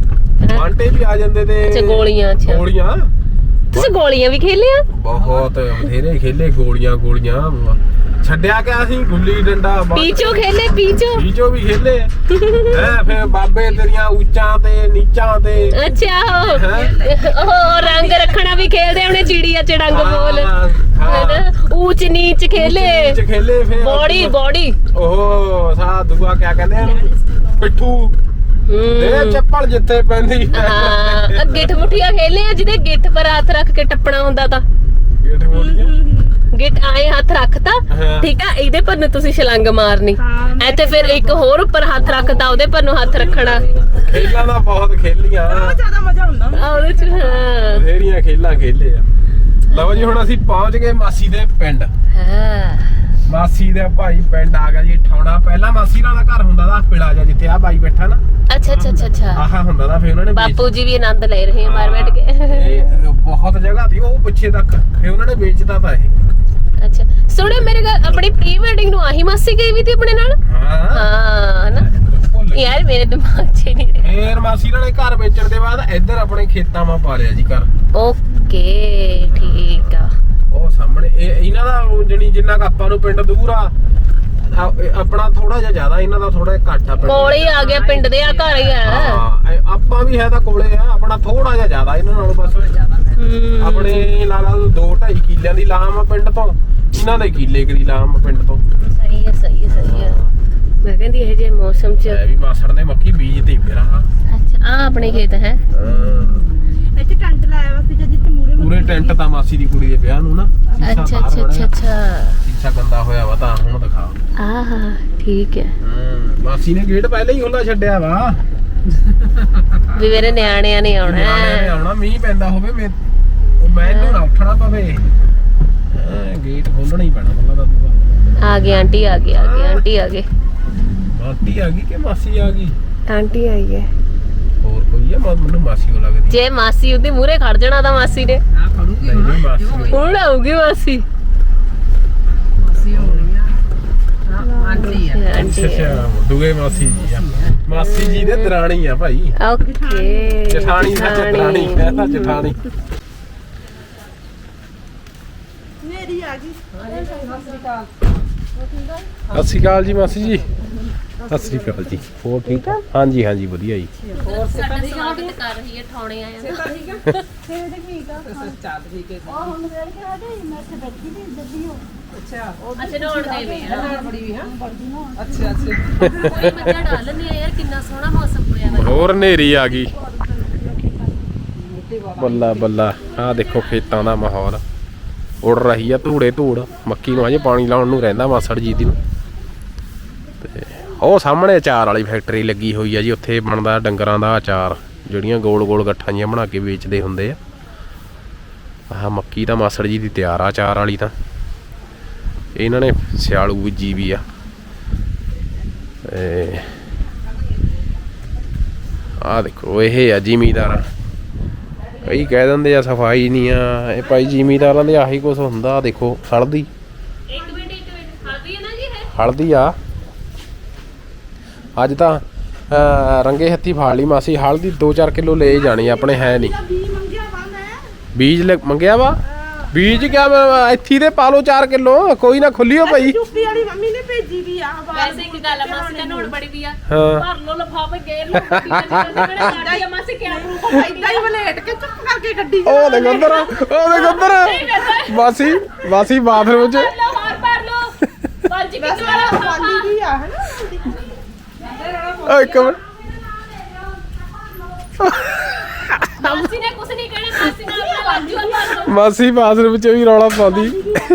Speaker 1: ਬਾਂਟੇ ਵੀ ਆ ਜਾਂਦੇ ਤੇ
Speaker 2: ਅੱਛਾ ਗੋਲੀਆਂ ਅੱਛਾ
Speaker 1: ਗੋਲੀਆਂ
Speaker 2: ਤੁਸੀਂ ਗੋਲੀਆਂ ਵੀ ਖੇਲਿਆ
Speaker 1: ਬਹੁਤ ਬਥੇਰੇ ਖੇਲੇ ਗੋਲੀਆਂ ਗੋਲੀਆਂ ਛੱਡਿਆ ਕਿ ਅਸੀਂ ਗੁੱਲੀ ਡੰਡਾ ਬਾਂਟੇ-
Speaker 2: ਪੀਚੋ ਖੇਲੇ ਪੀਚੋ
Speaker 1: ਪੀਚੋ ਵੀ ਖੇਲੇ ਹੈ ਫਿਰ ਬਾਬੇ ਤੇਰੀਆਂ ਉੱਚਾਂ ਤੇ ਨੀਚਾਂ ਤੇ
Speaker 2: ਅੱਛਾ ਉਹ
Speaker 1: ਹੈਂ?
Speaker 2: ਉਹ ਰੰਗ ਰੱਖਣਾ ਵੀ ਖੇਲਦੇ ਉਹਨੇ ਚਿੜੀਆ ਚ ਡੰਗ ਬੋਲ
Speaker 1: ਹਾਂ, ਹਾਂ।
Speaker 2: ਹੈਨਾ ਊਚ ਨੀਚ ਖੇਲੇ
Speaker 1: ਚ ਖੇਲੇ ਫਿਰ
Speaker 2: ਬੋੜੀ ਬੋੜੀ
Speaker 1: ਉਹ ਸਾ ਦੂਆ ਕਿਆ ਕਹਿੰਦੇ ਆ ਪਿੱਠੂ ਦੇ ਚੱਪਲ ਜਿੱਥੇ ਪੈਂਦੀ
Speaker 2: ਹਾਂ ਗਿੱਠ ਮੁੱਠੀਆਂ ਖੇਲੇ ਆ ਜਿਹਦੇ ਗਿੱਠ ਪਰ ਹੱਥ ਰੱਖ ਕੇ ਟੱਪਣਾ ਹੁੰਦਾ ਤਾਂ
Speaker 1: ਗਿੱਠ ਮੋੜੀਆਂ
Speaker 2: ਗਿੱਟ ਆਏ ਹੱਥ ਰੱਖਤਾ
Speaker 1: ਹਾਂ।
Speaker 2: ਠੀਕ ਆ ਇਹਦੇ ਪਰ ਨੂੰ ਤੁਸੀਂ ਛਲੰਗ ਮਾਰਨੀ ਇੱਥੇ ਫਿਰ ਇੱਕ ਹੋਰ ਉੱਪਰ ਹੱਥ ਰੱਖਤਾ ਉਹਦੇ ਪਰ ਨੂੰ ਹੱਥ ਰੱਖਣਾ
Speaker 1: ਖੇਲਾਂ ਦਾ ਬਹੁਤ ਖੇਲੀਆਂ
Speaker 3: ਜ਼ਿਆਦਾ ਮਜ਼ਾ ਹੁੰਦਾ
Speaker 2: ਆ ਉਹਦੇ ਚ ਹਾਂ
Speaker 1: ਬਥੇਰੀਆਂ ਖੇਲਾਂ ਖੇਲੇ ਆ ਲਓ ਜੀ ਹੁਣ ਅਸੀਂ ਪਹੁੰਚ ਗਏ ਮਾਸੀ ਦੇ ਪਿੰਡ
Speaker 2: ਹਾਂ
Speaker 1: ਮਾਸੀ ਦੇ ਭਾਈ ਪਿੰਡ ਆ ਗਿਆ ਜੀ ਠਾਉਣਾ ਪਹਿਲਾਂ ਮਾਸੀ ਨਾਲ ਦਾ ਘਰ ਹੁੰਦਾ ਦਾ ਪਿਲਾ ਜਾ ਜਿੱਥੇ ਆ ਬਾਈ ਬੈਠਾ ਨਾ
Speaker 2: ਅੱਛਾ ਅੱਛਾ ਅੱਛਾ ਅੱਛਾ
Speaker 1: ਆਹਾ ਹੁੰਦਾ ਦਾ ਫਿਰ ਉਹਨਾਂ ਨੇ ਵੇਚ-
Speaker 2: ਬਾਪੂ ਜੀ ਵੀ ਆਨੰਦ ਲੈ ਰਹੇ ਆ ਬਾਹਰ ਬੈਠ ਕੇ
Speaker 1: ਇਹ ਬਹੁਤ ਜਗ੍ਹਾ ਸੀ ਉਹ ਪਿੱਛੇ ਤੱਕ ਫਿਰ ਉਹਨਾਂ ਨੇ ਵੇਚਦਾ ਤਾਂ ਇਹ
Speaker 2: ਅੱਛਾ ਸੁਣਿਓ ਮੇਰੇ ਘਰ ਆਪਣੀ ਪ੍ਰੀ ਵੈਡਿੰਗ ਨੂੰ ਆਹੀ ਮਾਸੀ ਗਈ ਵੀ ਤੀ ਆਪਣੇ ਨਾਲ
Speaker 1: ਹਾਂ
Speaker 2: ਹਾਂ ਨਾ
Speaker 1: ਭੁੱਲ ਗਏ।
Speaker 2: ਯਾਰ ਮੇਰੇ ਦਿਮਾਗ 'ਚ ਹੀ ਨਹੀਂ ਰਿਹਾ
Speaker 1: ਫੇਰ ਮਾਸੀ ਨਾਲ ਘਰ ਵੇਚਣ ਦੇ ਬਾਅਦ ਇੱਧਰ ਆਪਣੇ ਖੇਤਾਂ 'ਮਾ ਪਾ ਲਿਆ ਜੀ ਘਰ
Speaker 2: ਓਕੇ ਠੀਕ ਆ
Speaker 1: ਉਹ ਸਾਹਮਣੇ ਇਹ ਇਹਨਾਂ ਦਾ ਉਹ ਜਣੀ ਜਿੰਨਾ ਕੁ ਆਪਾਂ ਨੂੰ ਪਿੰਡ ਦੂਰ ਆ ਆ- ਇਹ ਆਪਣਾ ਥੋੜਾ ਜਿਹਾ ਜ਼ਿਆਦਾ ਇਹਨਾਂ ਦਾ ਥੋੜਾ ਜਿਹਾ ਘੱਟ ਆ ਪਿੰਡ
Speaker 2: ਕੋਲ ਹੀ ਆ ਗਿਆ ਪਿੰਡ ਦੇ ਆ ਘਰ ਹੀ ਆ
Speaker 1: ਹਾਂ ਇਹ ਆਪਾਂ ਵੀ ਹੈ ਤਾਂ ਕੋਲੇ ਆ ਆਪਣਾ ਥੋੜਾ ਜਿਹਾ ਜ਼ਿਆਦਾ ਇਹਨਾਂ ਨਾਲੋਂ ਬਸ
Speaker 2: ਹੂੰ
Speaker 1: ਆਪਣੇ ਲਾ ਲਾ ਦੋ ਢਾਈ ਕਿੱਲਿਆਂ ਦੀ ਲਾਮ ਆ ਪਿੰਡ ਤੋਂ ਇਹਨਾਂ ਦੇ ਕਿੱਲੇ ਕਰੀ ਲਾਮ ਆ ਪਿੰਡ ਤੋਂ
Speaker 2: ਸਹੀ ਹੈ ਸਹੀ ਹੈ ਸਹੀ ਹੈ ਮੈਂ ਕਹਿੰਦੀ ਇਹ ਜੇ ਮੌਸਮ 'ਚ
Speaker 1: ਇਹ ਵੀ ਮਾਸੜ ਨੇ ਮੱਕੀ ਬੀਜਤੀ ਫਿਰ ਆ
Speaker 2: ਅੱਛਾ ਆ ਆਪਣੇ ਖੇਤ ਹੈ
Speaker 3: ਇੱਥੇ ਟੈਂਟ ਲਾਇਆ ਵਾ ਸੀ ਜਿੱਥੇ ਮੂਰੇ
Speaker 1: ਪੂਰੇ ਟੈਂਟ ਤਾਂ ਮਾਸੀ ਦੀ ਕੁੜੀ ਦੇ ਵਿਆਹ ਨੂੰ ਨਾ ਸ਼ੀਸ਼ਾ
Speaker 2: ਅੱਛਾ
Speaker 1: ਬਾਹਰ
Speaker 2: ਅੱਛਾ
Speaker 1: ਬਣਿਆ।
Speaker 2: ਅੱਛਾ ਅੱਛਾ
Speaker 1: ਸ਼ੀਸ਼ਾ ਗੰਦਾ ਹੋਇਆ ਵਾ ਤਾਂ ਹੁਣ ਦਿਖਾ
Speaker 2: ਆਹ ਠੀਕ ਹੈ
Speaker 1: ਹੂੰ ਮਾਸੀ ਨੇ ਗੇਟ ਪਹਿਲਾਂ ਹੀ ਖੁੱਲਾ ਛੱਡਿਆ ਵਾ
Speaker 2: ਵੀ ਮੇਰੇ ਨਿਆਣਿਆਂ ਨੇ ਆਉਣਾ
Speaker 1: ਨਿਆਣਿਆਂ ਨੇ
Speaker 2: ਹੈ।
Speaker 1: ਆਉਣਾ ਮੀਂਹ ਪੈਂਦਾ ਹੋਵੇ ਮੈਂ ਉਹ ਮੈਨੂੰ ਨਾ ਉੱਠਣਾ ਪਵੇ ਹਾਂ ਗੇਟ ਖੋਲਣਾ ਹੀ ਪੈਣਾ ਮੱਲਾ ਦਾ ਦੂਆ
Speaker 2: ਆ ਗਏ ਆਂਟੀ ਆ ਗਏ ਆ ਗਏ ਆਂਟੀ ਆ ਗਏ
Speaker 1: ਆਂਟੀ ਆ ਗਈ ਕਿ ਮਾਸੀ ਆ ਗਈ
Speaker 2: ਆਂਟੀ ਆਈ ਹੈ
Speaker 1: ਹੋਰ ਕੋਈ ਆ ਮਾ- ਮੈਨੂੰ ਮਾਸੀ ਉਹ ਲੱਗਦੀ
Speaker 2: ਜੇ ਮਾਸੀ ਉਹਦੇ ਮੂਹਰੇ ਖੜ ਜਾਣਾ ਤਾਂ ਮਾਸੀ ਨੇ
Speaker 1: ਨਹੀਂ ਨਹੀਂ ਮਾਸੀ ਉਹ-
Speaker 2: ਹੁਣ ਆਊਗੀ ਮਾਸੀ ਆਂਟੀ
Speaker 1: ਅੱਛਾ ਅੱਛਾ ਦੁਗੇ ਮਾਸੀ ਜੀ ਆ ਮਾਸੀ ਜੀ ਦੇ ਦਰਾਣੀ ਆ ਭਾਈ
Speaker 2: ਓਕੇ
Speaker 1: ਜਠਾਣੀ ਸੱਚ ਦਰਾਣੀ ਕਹਿੰਦਾ ਜਠਾਣੀ
Speaker 3: ਮੇਰੀ ਆ ਗਈ
Speaker 1: ਸਤਿ ਸ਼੍ਰੀ ਅਕਾਲ ਜੀ ਮਾਸੀ ਜੀ ਸਤਿ ਸ਼੍ਰੀ ਅਕਾਲ ਜੀ ਹੋਰ ਠੀਕ ਆ ਹਾਂਜੀ ਹਾਂਜੀ ਵਧੀਆ ਜੀ
Speaker 2: ਸਾਡਾ ਸਵਾਗਤ ਕਰ ਰਹੀ ਹੈ ਠਾਉਣੇ ਆਇਆ ਨਾ ਅੱਛਾ ਨਹਾਉਣ ਦੇ ਵੇ ਆ
Speaker 4: ਅੱਛਾ ਅੱਛਾ
Speaker 2: ਕੋਈ ਮੱਝਾਂ ਡਾਲ ਲੈਂਦੀ ਆ ਯਾਰ ਕਿੰਨਾ ਸੋਹਣਾ ਮੌਸਮ ਹੋਇਆ ਵਾ
Speaker 1: ਹੋਰ ਹਨੇਰੀ ਆ ਗਈ ਬੱਲਾ ਬੱਲਾ ਆ ਦੇਖੋ ਖੇਤਾਂ ਦਾ ਮਾਹੌਲ ਉੜ ਰਹੀ ਆ ਧੂੜੇ ਧੂੜ ਮੱਕੀ ਨੂੰ ਅਜੇ ਪਾਣੀ ਲਾਉਣ ਨੂੰ ਰਹਿੰਦਾ ਮਾਸੜ ਜੀ ਦੀ ਨੂੰ ਤੇ ਉਹ ਸਾਹਮਣੇ ਅਚਾਰ ਵਾਲੀ ਫੈਕਟਰੀ ਲੱਗੀ ਹੋਈ ਆ ਜੀ ਉੱਥੇ ਬਣਦਾ ਡੰਗਰਾਂ ਦਾ ਅਚਾਰ ਜਿਹੜੀਆਂ ਗੋਲ ਗੋਲ ਗੱਠਾਂ ਜੀਆਂ ਬਣਾ ਕੇ ਵੇਚਦੇ ਹੁੰਦੇ ਆ ਆਹ ਮੱਕੀ ਤਾਂ ਮਾਸੜ ਜੀ ਦੀ ਤਿਆਰ ਆ ਅਚਾਰ ਵਾਲੀ ਤਾਂ ਇਹਨਾਂ ਨੇ ਸਿਆਲੂ ਬੀਜੀ ਵੀ ਆ ਤੇ ਆਹ ਦੇਖੋ ਇਹ ਆ ਜ਼ਿਮੀਦਾਰ ਕਈ ਕਹਿ ਦਿੰਦੇ ਆ ਸਫਾਈ ਨਹੀਂ ਆ ਇਹ ਭਾਈ ਜ਼ਿਮੀਦਾਰਾਂ ਦੇ ਆਹੀ ਕੁਝ ਹੁੰਦਾ ਦੇਖੋ ਹਲਦੀ
Speaker 2: ਇੱਕ ਮਿੰਟ ਇੱਕ ਮਿੰਟ ਹਲਦੀ ਹੈ ਨਾ ਜੀ ਇਹ
Speaker 1: ਹਲਦੀ ਆ ਅੱਜ ਤਾਂ ਅਹ, ਰੰਗੇ ਹੱਥੀ ਫਾੜ ਲਈ ਮਾਸੀ ਹਲਦੀ ਦੋ ਚਾਰ ਕਿਲੋ ਲੈ ਜਾਣੀ ਆਪਣੇ ਹੈ ਨਹੀਂ
Speaker 3: ਵੀ ਮੰਗਿਆ ਵਾ ਮੈਂ
Speaker 1: ਬੀਜ ਲੈ- ਮੰਗਿਆ ਵਾ ਬੀਜ ਕਿਆ ਮੈਂ ਇੱਥੀ ਦੇ ਪਾ ਲਓ ਚਾਰ ਕਿਲੋ ਕੋਈ ਨਾ ਖੁੱਲਿਓ ਭਾਈ
Speaker 3: ਯੂਪੀ ਵਾਲੀ ਮੰਮੀ ਨੇ ਭੇਜੀ ਵੀ ਆ ਬਾਹਰ
Speaker 2: ਵੈਸੇ ਇੱਕ ਗੱਲ ਆ ਮਾਸੀ ਦਾ ਨਹਾਉਣ ਬੜੀ ਵੀ ਆ
Speaker 1: ਹਾਂ
Speaker 2: ਭਰ ਲੋ ਲਫਾਫੇ ਗੇਰ ਲੋ ਕਿਹੜਾ ਆ ਮਾਸੀ ਕਿਆ ਪ੍ਰੂਫ
Speaker 3: ਏਦਾਂ ਹੀ ਵਲੇਟ ਕੇ ਚੁੱਪ ਕਰਕੇ ਗੱਡੀ
Speaker 1: ਉਹ ਦੇਖ ਉਧਰ ਉਹ ਦੇਖ ਉਧਰ ਮਾਸੀ ਮਾਸੀ ਬਾਥਰੂਮ ਚ
Speaker 2: ਲੋ ਹਾਰ ਭਰ ਲੋ ਪੰਜ ਕਿਲੋ ਵਾਲਾ
Speaker 3: ਖਾਲੀ
Speaker 2: ਲਫਾਫਾ
Speaker 3: ਵੀ ਆ ਹਨਾ
Speaker 1: ਓ ਇੱਕ ਮਿੰਟ
Speaker 2: ਮਾਸੀ ਨੇ ਕੁਛ ਨਹੀਂ ਕਹਿਣਾ ਮਾਸੀ ਨਾਲ ਆਪਣਾ ਵਾਜੂ ਆ ਭਰ ਲੋ
Speaker 1: ਮਾਸੀ ਬਾਥਰੂਮ ਚ ਵੀ ਰੌਲਾ ਪਾਉਂਦੀ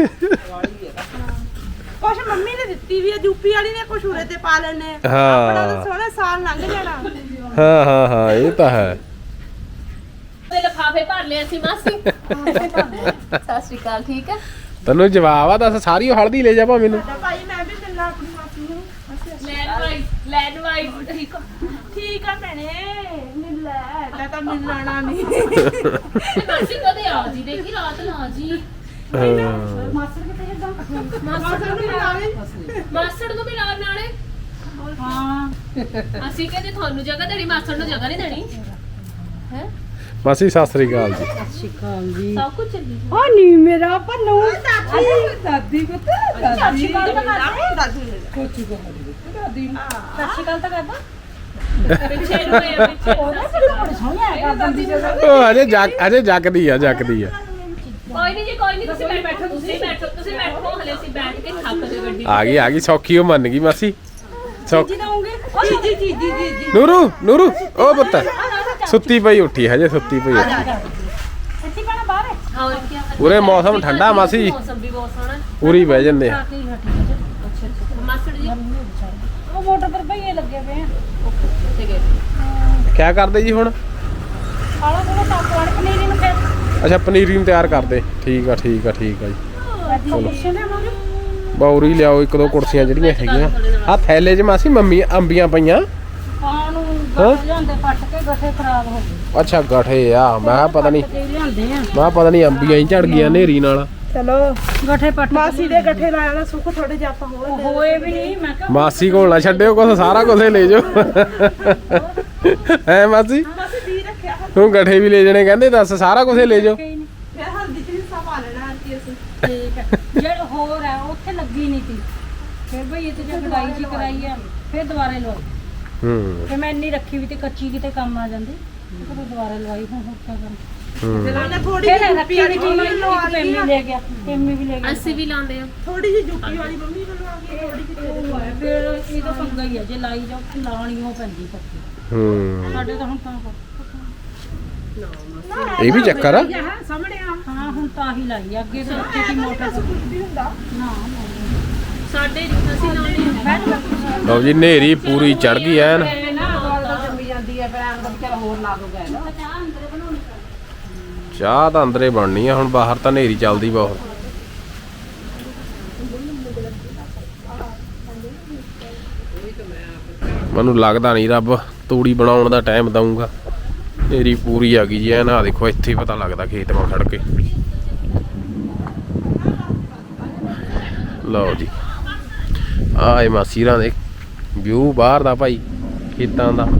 Speaker 3: ਕੁਛ ਮੰਮੀ ਨੇ ਦਿੱਤੀ ਵੀ ਆ ਯੂਪੀ ਵਾਲੀ ਨੇ ਕੁਛ ਉਰੇ ਤੇ ਪਾ ਲੈਣੇ
Speaker 1: ਹਾਂ।
Speaker 3: ਆਪਣਾ ਤਾਂ ਸੋਹਣਾ ਸਾਲ ਲੰਘ ਜਾਣਾ
Speaker 1: ਹਾਂ ਹਾਂ ਹਾਂ ਇਹ ਤਾਂ ਹੈ
Speaker 2: ਤੇ ਲਫਾਫੇ ਭਰ ਲਿਆ ਸੀ ਮਾਸੀ ਸਤਿ ਸ਼੍ਰੀ ਅਕਾਲ ਠੀਕ ਹੈ
Speaker 1: ਤੈਨੂੰ ਜਵਾਬ ਆ ਦੱਸ ਸਾਰੀ ਉਹ ਹਲਦੀ ਲੈ ਜਾ ਭਾ ਮੈਨੂੰ
Speaker 3: ਸਾਡਾ ਭਾਈ ਮੈਂ ਵੀ ਮਿਲਣਾ ਆਪਣੀ ਮਾਸੀ ਨੂੰ
Speaker 2: ਲੈਨ ਵਾਈਜ਼ ਲੈਨ ਵਾਈਜ਼ ਠੀਕ ਆ
Speaker 3: ਠੀਕ ਆ ਭੈਣੇ ਮਿਲ ਲੈ ਤਾਂ ਤਾਂ ਮਿਲਣਾ ਨਹੀਂ
Speaker 2: ਮਾਸੀ ਕਦੇ ਆ ਜੀ ਦੇਖੀ ਰਾਤ ਲਾ ਜੀ
Speaker 1: ਹਾਂ
Speaker 3: ਮਾਸਰ ਕਿਤੇ ਇਦਾਂ
Speaker 2: ਮਾਸੜ ਨੂੰ ਵੀ ਲਾ
Speaker 3: ਲੈ
Speaker 2: ਮਾਸੜ ਨੂੰ ਵੀ ਲਾ ਨਾਲੇ
Speaker 3: ਹਾਂ
Speaker 2: ਅਸੀਂ ਕਹਿੰਦੇ ਤੁਹਾਨੂੰ ਜਗ੍ਹਾ ਦੇਣੀ ਮਾਸੜ ਨੂੰ ਜਗ੍ਹਾ ਨਹੀਂ ਦੇਣੀ
Speaker 1: ਮਾਸੀ ਸਤਿ ਸ੍ਰੀ ਅਕਾਲ ਜੀ
Speaker 2: ਸਭ ਕੁਝ ਚੱਲੀ
Speaker 3: ਓ ਨਹੀਂ ਮੇਰਾ ਪੰਨੂ
Speaker 4: ਦਾਦੀ ਪੁੱਤ ਦਾਦੀ ਕੋਚੀ ਕੋ ਦਾਦੀ
Speaker 2: ਸੱਚੀ ਗੱਲ ਤਾਂ ਕਰਦਾ ਪਿੱਛੇ ਨੂੰ ਹੋਇਆ ਪਿੱਛੇ
Speaker 3: ਉਹਦਾ ਫਿਰ ਬੜਾ ਸੋਹਣਾ ਹੈ ਦਾਦੀ ਜੀ
Speaker 1: ਉਹ ਅਜੇ ਜੱਗ ਅਜੇ ਜੱਗਦੀ ਆ ਜੱਗਦੀ ਆ
Speaker 2: ਕੋਈ ਨਹੀਂ ਜੀ ਕੋਈ ਨਹੀਂ ਤੁਸੀਂ ਬੈਠੋ ਤੁਸੀਂ ਬੈਠੋ ਤੁਸੀਂ ਬੈਠੋ ਹਲੇ ਅਸੀਂ ਬੈਠ ਕੇ ਥੱਕ ਗਏ ਗੱਡੀ
Speaker 1: ਆ ਗਈ ਆ ਗਈ ਸੌਖੀ ਉਹ ਮੰਨ ਗਈ ਮਾਸੀ ਸੌਖੀ
Speaker 3: ਦਊਂਗੇ ਜੀ ਜੀ ਜੀ ਜੀ ਜੀ
Speaker 1: ਨੂਰੂ ਨੂਰੂ ਉਹ ਪੁੱਤ ਸੁੱਤੀ ਪਈ ਉੱਠੀ ਹਜੇ ਸੁੱਤੀ ਪਈ ਉੱਠੀ
Speaker 3: ਸੱਚੀ ਬਣਾ ਬਾਹਰ
Speaker 2: ਹੋਰ ਕੀ
Speaker 1: ਉਰੇ ਮੌਸਮ ਠੰਡਾ ਮਾਸੀ
Speaker 2: ਮੌਸਮ ਵੀ ਬਹੁਤ ਸੋਹਣਾ
Speaker 1: ਉਰੀ ਬਹਿ ਜੰਦੇ ਆ
Speaker 2: ਅੱਛਾ ਅੱਛਾ ਮਾਸਟਰ ਜੀ
Speaker 3: ਉਹ ਮੋਟਰ ਪਰ ਭਈਏ ਲੱਗੇ ਪਏ ਆ
Speaker 2: ਠੀਕ ਹੈ
Speaker 1: ਕਿਆ ਕਰਦੇ ਜੀ ਹੁਣ
Speaker 3: ਆਲਾ ਕੋਲ ਟੱਪ ਵਾਲੇ ਪਨੀਰੀ ਨੂੰ ਫਿਰ
Speaker 1: ਅੱਛਾ ਪਨੀਰੀ ਨੂੰ ਤਿਆਰ ਕਰਦੇ ਠੀਕ ਆ ਠੀਕ ਆ ਠੀਕ ਆ ਜੀ
Speaker 3: ਚਲੋ ਕੁਸ਼ਨ ਹੈ ਮਾਰੂ
Speaker 1: ਬੌਰੀ ਲਿਆਓ ਇੱਕ ਦੋ ਕੁਰਸੀਆਂ ਜਿਹੜੀਆਂ ਹੈਗੀਆਂ ਆ ਥੈਲੇ 'ਚ ਮਾਸੀ ਮੰਮੀ ਅੰਬੀਆਂ ਪਈਆਂ
Speaker 3: ਪਾਣ ਨੂੰ
Speaker 1: ਹਾਂ?
Speaker 3: ਗੱਠੇ ਲਿਆਂਦੇ ਪੱਟ ਕੇ ਗੱਠੇ ਖਰਾਬ ਹੋ ਗਏ
Speaker 1: ਅੱਛਾ ਗਠੇ ਆ ਮੈਂ ਕਿਹਾ ਪਤਾ ਨਹੀਂ
Speaker 3: ਤੇ ਲਿਆਂਦੇ ਆ
Speaker 1: ਮੈਂ ਕਿਹਾ ਪਤਾ ਨਹੀਂ ਅੰਬੀਆਂ ਹੀ ਝੜ ਗਈਆਂ ਨੇਰੀ ਨਾਲ
Speaker 3: ਚਲੋ ਗੱਠੇ ਪੱਟ ਮਾਸੀ ਦੇ ਗੱਠੇ ਲਾਇਆ ਨਾ ਸੁੱਖ ਥੋੜੇ ਜਿਹਾ ਆਪਾਂ ਹੋਏ ਹੋਏ ਵੀ ਨਹੀਂ ਮੈਂ ਕਿਹਾ
Speaker 1: ਮਾਸੀ ਕੋਲ ਨਾ ਛੱਡਿਓ ਕੁਛ ਸਾਰਾ ਕੁਛ ਲੈ ਜਾਓ ਹੈ ਮਾਸੀ
Speaker 3: ਮਾਸੀ ਦੀ ਰੱਖਿਆ
Speaker 1: ਤੂੰ ਗਠੇ ਵੀ ਲੈ ਜਾਣੇ ਕਹਿੰਦੇ ਦੱਸ ਸਾਰਾ ਕੁਛ ਲੈ ਜਾਓ
Speaker 3: ਫਿਰ ਹਲਦੀ ਚ ਹਿੱਸਾ ਪਾ ਲੈਣਾ ਆਂਟੀ ਅਸੀਂ ਠੀਕ ਹੈ ਜਿਹੜਾ ਹੋਰ ਹੈ ਉੱਥੇ ਲੱਗੀ ਨਹੀਂ ਸੀ ਫਿਰ ਭਈ ਇਹ ਤੇ ਜੇ ਕਢਾਈ ਜੀ ਕਰਾਈ ਆ ਫਿਰ ਦੁਬਾਰੇ ਲਵਾਈ
Speaker 1: ਹੂੰ
Speaker 3: ਫਿਰ ਮੈਂ ਇੰਨੀ ਰੱਖੀ ਵੀ ਤੇ ਕੱਚੀ ਕਿਤੇ ਕੰਮ ਆ ਜਾਂਦੀ ਫਿਰ ਦੁਬਾਰਾ ਲਵਾਈ ਹੁਣ ਹੋਰ ਕੀ ਕਰਾਂ
Speaker 1: ਹੂੰ
Speaker 3: ਫਿਰ ਥੋੜੀ ਜਿਹੀ ਰੱਖੀ ਵਾਲੀ ਮੰਮੀ ਇੱਕ ਪੈਮੀ ਲੈ ਗਿਆ ਪੈਮੀ ਵੀ ਲੈ ਗਿਆ
Speaker 2: ਅਸੀਂ ਵੀ ਲਾਉਂਦੇ ਆ
Speaker 3: ਥੋੜੀ ਜਿਹੀ ਜੁੱਤੀ ਵਾਲੀ ਮੰਮੀ ਵੱਲੋਂ ਆ ਗਈ ਥੋੜੀ ਜਿਹੀ ਫਿਰ ਇਹ ਤਾਂ ਪੰਗਾ ਹੀ ਆ ਜੇ ਲਾਈ ਜਾਓ ਲਾਉਣੀ ਉਹ ਪੈਂਦੀ ਪੱਕੀ
Speaker 1: ਹੂੰ
Speaker 3: ਸਾਡੇ ਤਾਂ ਹੁਣ ਤਾਂ
Speaker 1: ਇਹ ਵੀ ਚੱਕਰ ਆ
Speaker 3: ਸਾਹਮਣੇ ਆ ਹਾਂ ਹੁਣ ਤਾਂ ਹੀ ਲਾਈ ਆ ਅੱਗੇ ਤਾਂ ਉੱਥੇ ਦੀ ਮੋਟਰ ਸੁੱਕਦੀ ਹੁੰਦਾ ਨਾ
Speaker 2: ਸਾਡੇ ਅਸੀਂ ਲਾਉਂਦੇ ਆ
Speaker 1: ਲਓ ਜੀ ਨੇਰੀ ਪੂਰੀ ਚੜ ਗਈ ਐਨ ਚਾਹ ਤਾਂ ਅੰਦਰੇ ਬਣਨੀ ਆ ਹੁਣ ਬਾਹਰ ਤਾਂ ਨੇਰੀ ਚੱਲਦੀ ਬਹੁਤ ਮੈਨੂੰ ਲੱਗਦਾ ਨਹੀਂ ਰੱਬ ਤੂੜੀ ਬਣਾਉਣ ਦਾ ਟਾਈਮ ਦਊਗਾ ਨੇਰੀ ਪੂਰੀ ਆ ਗਈ ਜੀ ਐਨ ਆ ਦੇਖੋ ਇੱਥੇ ਹੀ ਪਤਾ ਲੱਗਦਾ ਖੇਤ ਮਾ ਖੜ ਕੇ ਲਓ ਜੀ ਆਏ ਮਾਸੀਰਾਂ ਦੇ ਵਿਊ ਬਾਹਰ ਦਾ ਭਾਈ ਖੇਤਾਂ ਦਾ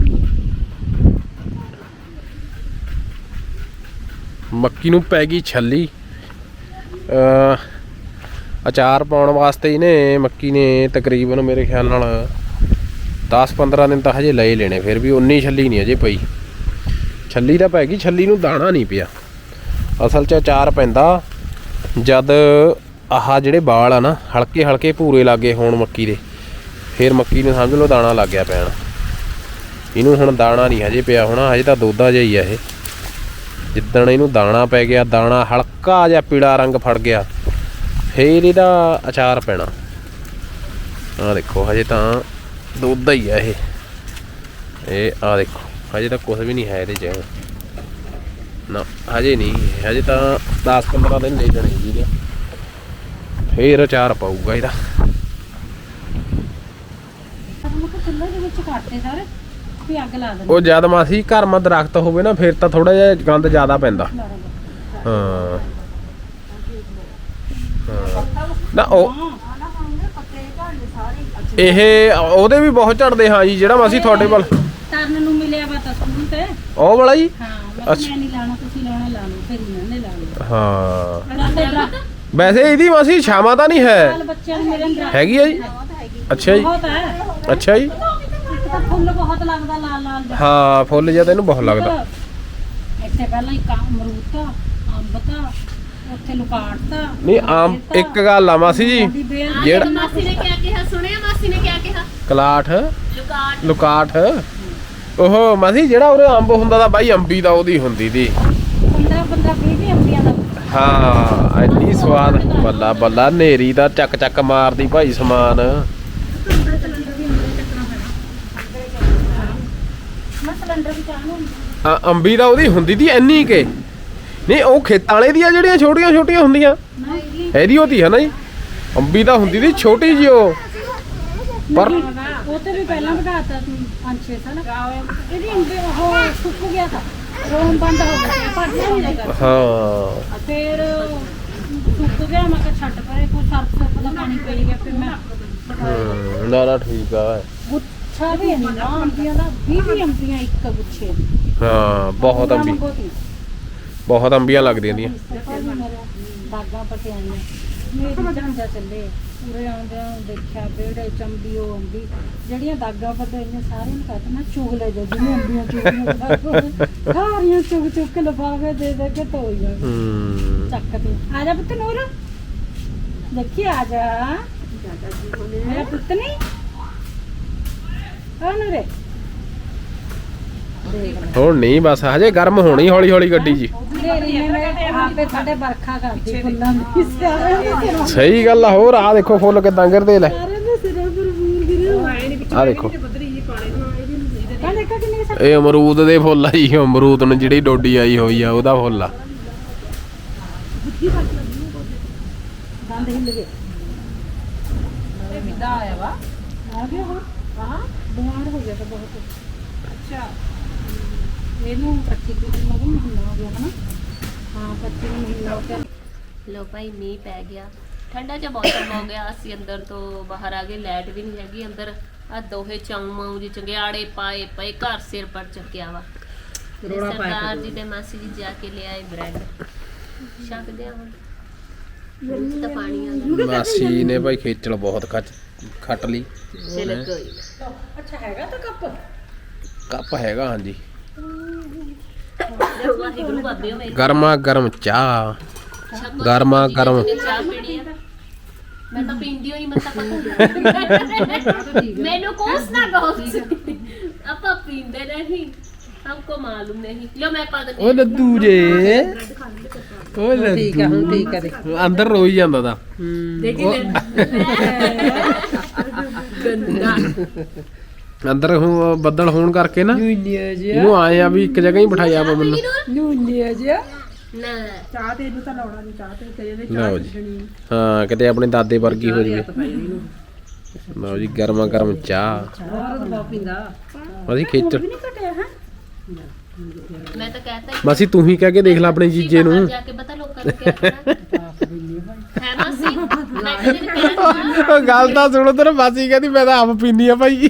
Speaker 1: ਮੱਕੀ ਨੂੰ ਪੈ ਗਈ ਛੱਲੀ ਅ ਅਚਾਰ ਪਾਉਣ ਵਾਸਤੇ ਇਹਨੇ ਮੱਕੀ ਨੇ ਤਕਰੀਬਨ ਮੇਰੇ ਖਿਆਲ ਨਾਲ ਦਸ ਪੰਦਰਾਂ ਦਿਨ ਤਾਂ ਹਜੇ ਲਏ ਲੈਣੇ ਫਿਰ ਵੀ ਉਨੀ ਛੱਲੀ ਨਹੀਂ ਅਜੇ ਪਈ ਛੱਲੀ ਤਾਂ ਪੈ ਗਈ ਛੱਲੀ ਨੂੰ ਦਾਣਾ ਨਹੀਂ ਪਿਆ ਅਸਲ 'ਚ ਅਚਾਰ ਪੈਂਦਾ ਜਦ ਆਹ ਜਿਹੜੇ ਵਾਲ ਆ ਨਾ ਹਲਕੇ ਹਲਕੇ ਭੂਰੇ ਲੱਗੇ ਹੋਣ ਮੱਕੀ ਦੇ ਫਿਰ ਮੱਕੀ ਨੂੰ ਸਮਝ ਲਓ ਦਾਣਾ ਲੱਗ ਗਿਆ ਪੈਣ ਇਹਨੂੰ ਹੁਣ ਦਾਣਾ ਨਹੀਂ ਹਜੇ ਪਿਆ ਹੋਣਾ ਹਜੇ ਤਾਂ ਦੋਦਾ ਜਿਹਾ ਹੀ ਆ ਇਹ ਜਿੱਦਣ ਇਹਨੂੰ ਦਾਣਾ ਪੈ ਗਿਆ ਦਾਣਾ ਹਲਕਾ ਜਿਹਾ ਪੀਲਾ ਰੰਗ ਫੜ ਗਿਆ ਫਿਰ ਇਹਦਾ ਅਚਾਰ ਪੈਣਾ ਆਹ ਦੇਖੋ ਹਜੇ ਤਾਂ ਦੋਦਾ ਹੀ ਆ ਇਹ ਇਹ ਆਹ ਦੇਖੋ ਹਜੇ ਤਾਂ ਕੁਝ ਵੀ ਨਹੀਂ ਹੈ ਇਹਦੇ 'ਚ ਨਾ ਹਜੇ ਨਹੀਂ ਹਜੇ ਤਾਂ ਦਸ ਪੰਦਰਾਂ ਦਿਨ ਲੈ ਜਾਣੇ ਜੀ ਫੇਰ ਅਚਾਰ ਪਾਊਗਾ ਇਹਦਾ
Speaker 3: ਚੁੱਲ੍ਹੇ ਦੇ ਵਿੱਚ ਕੱਟਦੇ ਸਾਰੇ ਵੀ ਅੱਗ ਲਾ ਦਿੰਦੇ
Speaker 1: ਉਹ ਜਦ ਮਾਸੀ ਘਰ ਮਾ ਦਰਖਤ ਹੋਵੇ ਨਾ ਫਿਰ ਤਾਂ ਥੋੜਾ ਜਿਹਾ ਗੰਦ ਜ਼ਿਆਦਾ ਪੈਂਦਾ ਹਾਂ ਨਾ ਉਹ ਇਹ ਉਹਦੇ ਵੀ ਬਹੁਤ ਝੜਦੇ ਹਾਂ ਜੀ ਜਿਹੜਾ ਮਾਸੀ ਤੁਹਾਡੇ ਵੱਲ
Speaker 3: ਤਰਨ ਨੂੰ ਮਿਲਿਆ ਵਾ ਤਾਂ ਸਕੂਲ ਤੇ
Speaker 1: ਉਹ ਵਾਲਾ ਜੀ
Speaker 3: ਹਾਂ ਮੈਂ ਕਿਹਾ ਮੈਂ ਨਹੀਂ ਲਾਣਾ ਤੁਸੀਂ ਲਾਉਣਾ ਲਾ ਲਓ ਫਿਰ ਇਹਨਾਂ ਨੇ ਲਾ ਲਓ
Speaker 1: ਹਾਂ
Speaker 3: ਹਾਂ
Speaker 1: ਵੈਸੇ ਇਹਦੀ ਮਾਸੀ ਛਾਵਾਂ ਤਾਂ ਨਹੀਂ ਹੈ
Speaker 3: ਬੱਚਿਆਂ ਨੂੰ ਮੇਰੇ ਅੰਦਰ
Speaker 1: ਹੈਗੀ ਆ ਜੀ ਅੱਛਾ ਜੀ
Speaker 3: ਬਹੁਤ ਹੈ
Speaker 1: ਅੱਛਾ ਜੀ
Speaker 3: ਇੱਕ ਤਾਂ ਫੁੱਲ ਬਹੁਤ ਲੱਗਦਾ ਲਾਲ ਲਾਲ ਜਿਹਾ।
Speaker 1: ਹਾਂ ਫੁੱਲ ਜਿਹਾ ਤਾਂ ਇਹਨੂੰ ਬਹੁਤ ਲੱਗਦਾ
Speaker 3: ਇੱਥੇ ਪਹਿਲਾਂ ਇੱਕ ਅਮਰੂਦ ਤਾਂ ਅੰਬ ਤਾਂ ਉੱਥੇ ਲੁਕਾਟ ਤਾਂ
Speaker 1: ਨਹੀਂ ਆਮ ਇੱਕ ਗੱਲ ਆ ਮਾਸੀ ਜੀ ਜਿਹੜਾ
Speaker 2: ਮਾਸੀ ਨੇ ਕਿਹਾ ਕਿਹਾ ਸੁਣਿਆ ਮਾਸੀ ਨੇ ਕਿਹਾ ਕਿਹਾ
Speaker 1: ਕਲਾਠ
Speaker 2: ਲੁਕਾਟ
Speaker 1: ਲੁਕਾਠ ਉਹ ਮਾਸੀ ਜਿਹੜਾ ਉਹਦੇ ਅੰਬ ਹੁੰਦਾ ਤਾਂ ਬਾਈ ਅੰਬੀ ਦਾ ਉਹਦੀ ਹੁੰਦੀ ਦੀ
Speaker 3: ਪੰਦਰਾਂ ਪੰਦਰਾਂ ਵੀਹ ਵੀਹ ਅੰਬੀਆਂ ਦਾ
Speaker 1: ਹਾਂ ਇੰਨੀ ਸਵਾਦ ਬੱਲਾ ਬੱਲਾ ਨੇਰੀ ਦਾ ਚੱਕ ਚੱਕ ਮਾਰਦੀ ਭਾਈ ਸਮਾਨ
Speaker 3: ਮੈਂ ਸਿਲੰਡਰ ਵੀ ਚਾਹਨੂੰ
Speaker 1: ਆ ਅੰਬੀ ਦਾ ਉਹਦੀ ਹੁੰਦੀ ਦੀ ਇੰਨੀ ਕੇ ਨਹੀਂ ਉਹ ਖੇਤਾਂ ਵਾਲੇ ਦੀਆਂ ਜਿਹੜੀਆਂ ਛੋਟੀਆਂ ਛੋਟੀਆਂ ਹੁੰਦੀਆਂ ਇਹਦੀ ਉਹਦੀ ਹੈ ਨਾ ਜੀ ਅੰਬੀ ਦਾ ਹੁੰਦੀ ਦੀ ਛੋਟੀ ਜਿਹੀ ਉਹ ਪਰ
Speaker 3: ਉਹ ਤੇ ਵੀ ਪਹਿਲਾਂ ਵਧਾਤਾ ਪੰਜ ਛੇ ਸਾਲ ਇਹਦੀ ਅੰਬੀ ਉਹ ਸੁੱਕ ਗਿਆ ਤਾਂ ਰੋਮ ਬੰਦ ਹੋ ਗਿਆ ਭੱਜ ਨਹੀਂ ਲੱਗਾ
Speaker 1: ਹਾਂ
Speaker 3: ਫਿਰ ਸੁੱਕ ਗਿਆ ਮੈਂ ਕਿਹਾ ਛੱਡ ਪਰੇ ਕੋਈ ਸਰਫ ਸੁੱਕ ਦਾ ਪਾਣੀ ਪਈ ਗਿਆ ਫਿਰ ਮੈਂ
Speaker 1: ਹਮ, ਨਾ ਨਾ ਠੀਕ ਆ
Speaker 3: ਗੁੱਛਾ ਵੀ ਇੰਨਾ ਅੰਬੀਆਂ ਦਾ ਵੀਹ ਵੀਹ ਅੰਬੀਆਂ ਇੱਕ ਗੁੱਛੇ
Speaker 1: ਹਾਂ ਬਹੁਤ ਅੰਬੀ
Speaker 3: ਮੰਗੋ ਤੀ
Speaker 1: ਬਹੁਤ ਅੰਬੀਆਂ ਲੱਗਦੀਆਂ ਦੀਆਂ
Speaker 4: ਦਾਗਾ ਪਟਿਆਈਆਂ ਮੇਰੀ ਜਾਂਦਾ ਚੱਲੇ ਪੂਰੇ ਆਉਂਦਿਆਂ ਦੇਖਿਆ ਵਿਹੜੇ ਚੰਬੀ ਉਹ ਅੰਬੀ ਜਿਹੜੀਆਂ ਦਾਗਾ ਪਟਿਆਈਆਂ ਸਾਰਿਆਂ ਨੂੰ ਕਹਿੰਦਾ ਨਾ ਚੁਗਲੇ ਜੋ ਜਿਵੇਂ ਅੰਬੀਆਂ ਚੁਗਲੀਆਂ ਸਾਰੀਆਂ ਚੁਗ ਚੁਗ ਕੇ ਲਫਾਵੇ ਦੇ ਦੇ ਕੇ ਧੋਈ ਜਾ
Speaker 1: ਹੂੰ
Speaker 4: ਚੱਕਦੇ ਆ ਜਾ ਪੁੱਤ ਨੂਰ ਦੇਖੀ ਆ ਜਾ ਮੇਰਾ ਪੁੱਤ ਨਹੀਂ ਆ ਨੂਰੇ
Speaker 1: ਹੁਣ ਨਹੀਂ ਬਸ ਹਜੇ ਗਰਮ ਹੋਣੀ ਹੌਲੀ ਹੌਲੀ ਗੱਡੀ ਜੀ
Speaker 4: ਤੇਰੀ ਨੇ ਮੇਰੇ ਆਪੇ ਸਾਡੇ ਵਰਖਾ ਕਰਦੀ ਫੁੱਲਾਂ ਦੀ ਸਾਰਿਆਂ ਦੇ
Speaker 1: ਸਹੀ ਗੱਲ ਆ ਹੋਰ ਆ ਦੇਖੋ ਫੁੱਲ ਕਿਦਾਂ ਗਿਰਦੇ ਲੈ
Speaker 4: ਸਾਰਿਆਂ ਦੇ ਸਿਰਾਂ ਪਰ ਫੂਲ ਗਿਰੇ
Speaker 1: ਆ ਦੇਖੋ
Speaker 4: ਕਹਿੰਦੇ ਦੇਖਾ ਕਿੰਨੇ ਸਾ
Speaker 1: ਇਹ ਅਮਰੂਦ ਦੇ ਫੁੱਲ ਆ ਜੀ ਅਮਰੂਦ ਨੂੰ ਜਿਹੜੀ ਡੋਡੀ ਆਈ ਹੋਈ ਆ ਉਹਦਾ ਫੁੱਲ ਆ
Speaker 4: ਦੰਦ ਹਿੱਲ ਗਏ ਇਹ ਵਿਦਾ ਆਇਆ ਵਾ ਆ ਗਿਆ ਹੋਰ ਹਾਂ ਬਿਮਾਰ ਹੋ ਗਿਆ ਤਾਂ ਬਹੁਤ ਅੱਛਾ ਇਹਨੂੰ ਪੱਚੀ ਕਿਲੋ ਮਗਰ ਮਹੀਨਾ ਹੋ ਗਿਆ ਹਨਾ ਹਾਂ ਪੱਚੀ ਨੂੰ ਮਹੀਨਾ ਹੋ ਗਿਆ
Speaker 2: ਲੋ ਭਾਈ ਮੀਂਹ ਪੈ ਗਿਆ ਠੰਡਾ ਜਿਹਾ ਮੌਸਮ ਹੋ ਗਿਆ ਅਸੀਂ ਅੰਦਰ ਤੋਂ ਬਾਹਰ ਆ ਗਏ ਲਾਈਟ ਵੀ ਨਹੀਂ ਹੈਗੀ ਅੰਦਰ ਆ ਦੋਹੇ ਚਾਉਂ ਜੀ ਚੰਗਿਆੜੇ ਪਾਏ ਪਏ ਘਰ ਸਿਰ ਪਰ ਚੱਕਿਆ ਵਾ ਤੇ ਸਰਦਾਰ ਜੀ ਤੇ ਮਾਸੀ ਜੀ ਜਾ ਕੇ ਲਿਆਏ ਬ੍ਰੈਡ ਛਕਦੇ ਆ ਹੁਣ ਮੂੰਹ 'ਚ ਤਾਂ ਪਾਣੀ ਆ ਗਿਆ
Speaker 1: ਮਾਸੀ ਨੇ ਭਾਈ ਖੇਚਲ ਬਹੁਤ ਖੱਟ ਖੱਟ ਲਈ
Speaker 2: ਚਲੋ ਕੋਈ
Speaker 4: ਅੱਛਾ ਹੈਗਾ ਤਾਂ ਕੱਪ
Speaker 1: ਕੱਪ ਹੈਗਾ ਹਾਂਜੀ
Speaker 2: ਨਾ ਵਾਹਿਗੁਰੂ ਬਾਬੇ ਮੇਰੇ
Speaker 1: ਗਰਮਾ ਗਰਮ ਚਾਹ ਗਰਮਾ ਗਰਮ
Speaker 2: ਚਾਹ ਪੀਣੀ ਆ ਮੈਂ ਤਾਂ ਪੀਂਦੀ ਹੋਈ ਮੈਂ ਤਾਂ ਪਤਾ ਮੈਨੂੰ ਕੋਸ ਨਾ ਕੋਸ ਆਪਾਂ ਪੀਂਦੇ ਨਹੀਂ हमको मालूम नहीं लो मैं पा देती
Speaker 1: ਓ ਲੱਦੂ ਜੇ ਓ ਲੱਦੂ ਠੀਕ ਆ ਹੁਣ ਠੀਕ ਆ ਦੇਖੋ ਅੰਦਰ ਰੋਈ ਜਾਂਦਾ ਦਾ
Speaker 2: देखी गंदा
Speaker 1: ਅੰਦਰ ਹੁਣ ਬੱਦਲ ਹੋਣ ਕਰਕੇ ਨਾ
Speaker 4: ਨੂਨੀਆ ਜਿਹਾ
Speaker 1: ਇਹਨੂੰ ਆਏ ਆ ਵੀ ਇੱਕ ਜਗ੍ਹਾ ਹੀ ਬਿਠਾਇਆ ਵਾ ਮੈਨੂੰ
Speaker 4: ਨੂਨੀਆ ਜਿਹਾ
Speaker 2: ना
Speaker 3: ਚਾਹ ਤੇ ਇਹਨੂੰ ਤਾਂ ਲਾਉਣਾ ਨਹੀਂ ਚਾਹ ਤੇ ਤੇਰੇ ਦੇ
Speaker 1: ਲਓ ਜੀ ਹਾਂ ਕਿਤੇ ਆਪਣੇ ਦਾਦੇ ਵਰਗੀ ਹੋ ਜਵੇ ਲਓ ਜੀ ਗਰਮਾ ਗਰਮ ਚਾਹ
Speaker 4: ਹੋਰ ਤਾਂ ਪੀਂਦਾ
Speaker 1: ਅਸੀਂ ਖੇਚਲ
Speaker 4: ਨਹੀਂ ਘਟਿਆ ਹੈ
Speaker 2: मैं तो कहता ही
Speaker 1: ਮਾਸੀ ਤੂੰ ਹੀ ਕਹਿ ਕੇ ਦੇਖ ਲੈ ਆਪਣੇ ਜੀਜੇ ਨੂੰ
Speaker 2: बाहर जाके बता लोग कर क्या करना है मासी मैं कभी नहीं कहना
Speaker 1: ਉਹ ਗੱਲ ਤਾਂ ਸੁਣੋ ਤੇਰੇ ਮਾਸੀ ਕਹਿੰਦੀ ਮੈਂ ਤਾਂ ਆਪ ਪੀਨੀ ਆ ਭਾਈ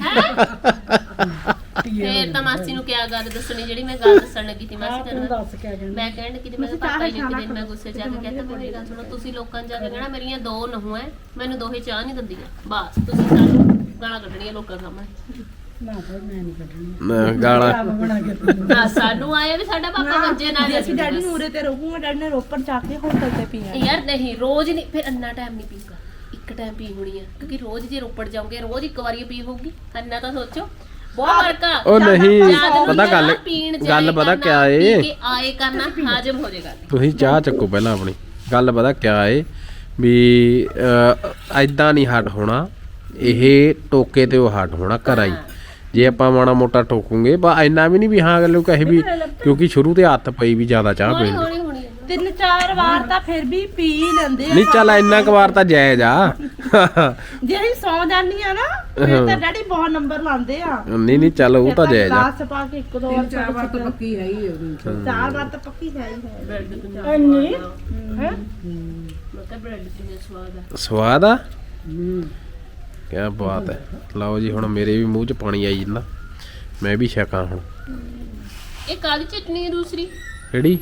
Speaker 2: ਫੇਰ ਤਾਂ ਮਾਸੀ ਨੂੰ ਕਿਆ ਗੱਲ ਦੱਸਣੀ ਜਿਹੜੀ ਮੈਂ ਗੱਲ ਦੱਸਣ ਲੱਗੀ ਸੀ ਮਾਸੀ ਤੈਨੂੰ
Speaker 4: ਦੱਸ ਕੇ ਕਹਿੰਦਾ
Speaker 2: ਮੈਂ ਕਹਿਣ ਲੱਗੀ ਸੀ ਮੈਂ ਪਾਪਾ ਜੀ ਨੂੰ ਦਿਨ ਮੈਂ ਗੁੱਸੇ ਜਾ ਕੇ ਕਹਿੰਦਾ ਮੇਰੀ ਗੱਲ ਸੁਣੋ ਤੁਸੀਂ ਲੋਕਾਂ 'ਚ ਜਾ ਕੇ ਕਹਿਣਾ ਮੇਰੀਆਂ ਦੋ ਨਹੂੰ ਐ ਮੈਨੂੰ ਦੋਹੇ ਚਾਹ ਨਹੀਂ ਦਿੰਦੀਆਂ ਬਸ ਤੁਸੀਂ ਸਾਨੂੰ ਗਾਲਾਂ ਕੱਢਣੀਆਂ ਲੋਕਾਂ ਸਾਹਮਣੇ
Speaker 4: ਨਾ ਫਿਰ ਮੈਂ ਨਹੀਂ ਕੱਢਣੀ
Speaker 1: ਨਾ, ਗਾਲਾਂ
Speaker 4: ਬਣਾ ਕੇ
Speaker 2: ਨਾ ਸਾਨੂੰ ਆਏ ਵੀ ਸਾਡਾ ਪਾਪਾ ਵੱਜੇ ਨਾਲ
Speaker 3: ਅਸੀਂ ਡੈਡੀ ਨੂੰ ਉਰੇ ਤੇ ਰਹੂਗਾ ਡੈਡੀ ਨੇ ਰੋਪੜ ਜਾ ਕੇ ਹੋਟਲ ਤੇ ਪੀਆ
Speaker 2: ਯਾਰ ਨਹੀਂ ਰੋਜ਼ ਨਹੀਂ ਫਿਰ ਅੰਨਾ ਟਾਈਮ ਨਹੀਂ ਪੀਊਗਾ ਇੱਕ ਟਾਈਮ ਪੀ ਹੋਣੀ ਆ ਕਿਉਂਕਿ ਰੋਜ਼ ਜੇ ਰੋਪੜ ਜਾਓਗੇ ਰੋਜ਼ ਇੱਕ ਵਾਰੀ ਪੀ ਹੋਊਗੀ ਅੰਨਾ ਤਾਂ ਸੋਚੋ ਬਹੁਤ ਫਰਕ ਆ
Speaker 1: ਉਹ ਨਹੀਂ
Speaker 2: ਜਦ ਨੂੰ
Speaker 1: ਪਤਾ ਗੱਲ
Speaker 2: ਚਾਹ ਪੀਣ ਜਾਏ
Speaker 1: ਗੱਲ ਪਤਾ
Speaker 2: ਕਰਨਾ,
Speaker 1: ਕਿਆ ਏ
Speaker 2: ਪੀ ਕੇ ਆਏ ਕਰਨਾ ਹਾਜ਼ਮ ਹੋ ਜਾਏਗਾ
Speaker 1: ਤੁਸੀਂ ਚਾਹ ਚੱਕੋ ਪਹਿਲਾਂ ਆਪਣੀ ਗੱਲ ਪਤਾ ਕਿਆ ਏ ਵੀ ਐਦਾਂ ਨਹੀਂ ਹੱਟ ਹੋਣਾ ਇਹ ਟੋਕੇ ਤੇ ਉਹ ਹੱਟ ਹੋਣਾ ਘਰਾਂ ਹੀ ਜੇ ਆਪਾਂ ਮਾੜਾ ਮੋਟਾ ਠੋਕੂਗੇ ਬਾ ਇੰਨਾ ਵੀ ਨਹੀਂ ਵੀ ਹਾਂ ਗੱਲ ਕਹੇ ਵੀ ਕਿਉਂਕਿ ਸ਼ੁਰੂ ਤੇ ਹੱਥ ਪਈ ਵੀ ਜ਼ਿਆਦਾ ਚਾਹ
Speaker 2: ਹੌਲੀ
Speaker 1: ਪੀਣ ਦੀ
Speaker 2: ਹੌਲੀ ਹੋਣੀ ਆ।
Speaker 3: ਤਿੰਨ ਚਾਰ ਵਾਰ ਤਾਂ ਫਿਰ ਵੀ ਪੀ ਲੈਂਦੇ ਆ
Speaker 1: ਨਹੀਂ ਚੱਲ ਇੰਨਾ ਕੁ ਵਾਰ ਤਾਂ ਜਾਇਜ਼ ਆ
Speaker 3: ਜੇ ਅਸੀਂ ਸੌ ਜਾਂਦੀ ਆ ਨਾ ਫਿਰ ਤਾਂ ਡੈਡੀ ਬਹੁਤ ਨੰਬਰ ਲਾਉਂਦੇ ਆ
Speaker 1: ਨਹੀਂ ਨਹੀਂ ਚੱਲ ਉਹ ਤਾਂ ਜਾਇਜ਼ ਆ
Speaker 3: ਗਲਾਸ ਪਾ ਕੇ ਇੱਕ ਦੋ ਵਾਰ ਚਾਰ ਵਾਰ ਤਾਂ
Speaker 4: ਪੱਕੀ ਹੈ ਹੀ
Speaker 3: ਚਾਰ ਵਾਰ ਤਾਂ ਪੱਕੀ ਹੈ ਹੀ ਹੈ
Speaker 2: ਬ੍ਰੈਡ ਤੇ
Speaker 3: ਇੰਨੀ ਹੈ
Speaker 2: ਮੈਂ ਕਿਹਾ ਬ੍ਰੈਡ ਤੇ ਸਵਾਦ ਆ
Speaker 1: ਸਵਾਦ ਆ ਕਿਆ ਬਾਤ ਹੈ ਲਓ ਜੀ ਹੁਣ ਮੇਰੇ ਵੀ ਮੂੰਹ 'ਚ ਪਾਣੀ ਆਈ ਜਾਂਦਾ ਮੈਂ ਵੀ ਛਕਾਂ ਹੁਣ
Speaker 2: ਇਹ ਕਾਲੀ ਚਟਨੀ ਹੈ ਦੂਸਰੀ
Speaker 1: ਕਿਹੜੀ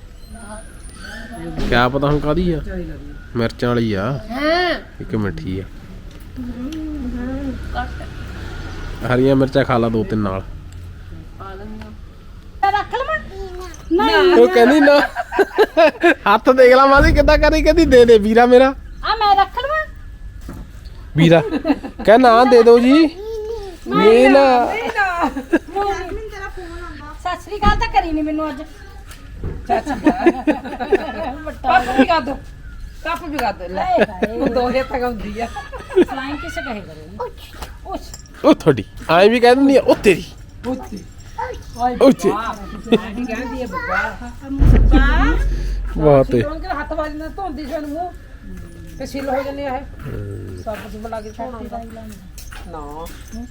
Speaker 1: ਕਿਆ ਪਤਾ ਹੁਣ ਕਾਦੀ ਆ ਮਿਰਚਾਂ ਵਾਲੀ ਆ
Speaker 2: ਹਾਂ
Speaker 1: ਇੱਕ ਮਿੱਠੀ ਆ
Speaker 2: ਕੱਟ
Speaker 1: ਹਰੀਆਂ ਮਿਰਚਾਂ ਖਾ ਲਾ ਦੋ ਤਿੰਨ ਨਾਲ
Speaker 2: ਪਾ ਲੈਂਦਾ
Speaker 3: ਰੱਖ ਲਵਾਂ
Speaker 1: ਉਹ ਕਹਿੰਦੀ ਨਾ ਹੱਥ ਦੇਖ ਲਾ ਮਾਸੀ ਕਿੱਦਾਂ ਕਰੀ ਕਹਿੰਦੀ ਦੇ ਦੇ ਵੀਰਾ ਮੇਰਾ
Speaker 3: ਆ ਮੈਂ ਰੱਖ ਲਵਾਂ
Speaker 1: ਵੀਰਾ ਕਹਿ ਨਾ ਦੇ ਦਿਓ ਜੀ ਨਹੀਂ ਨਾ
Speaker 4: ਸਤਿ ਸ੍ਰੀ ਅਕਾਲ ਤਾਂ ਕਰੀ ਨਹੀਂ ਮੈਨੂੰ ਅੱਜ ਕੱਪ ਵੀ ਗਾ ਦੋ ਕੱਪ ਵੀ ਗਾ ਦੋ ਲੈ ਦੋਹੇ ਤੱਕ ਹੁੰਦੀ ਆ ਫਲਾਈਂਗ ਕਿਸੇ ਕਹੇ ਕਰੋ
Speaker 1: ਉਹ ਤੁਹਾਡੀ ਐਂ ਵੀ ਕਹਿ ਦਿੰਦੀ ਆ ਉਹ ਤੇਰੀ
Speaker 4: ਉੱਤੀ
Speaker 1: ਉੱਚੀ
Speaker 4: ਆਹੀ ਕਹਿੰਦੀ ਆ ਬੱਬਾ
Speaker 1: ਬਹੁਤ ਏ
Speaker 4: ਕਿਉਂ ਕਿ ਹੱਥ ਵਾਲੀ ਨਾਲ ਧੋਂਦੀ ਸੀ ਮੂੰਹ ਤੇ ਸਿੱਲ ਹੋ ਜੰਨੇ ਆ ਇਹ ਸਭ ਕੁਝ ਬਣਾ ਕੇ ਧੋਣਾ ਨਾ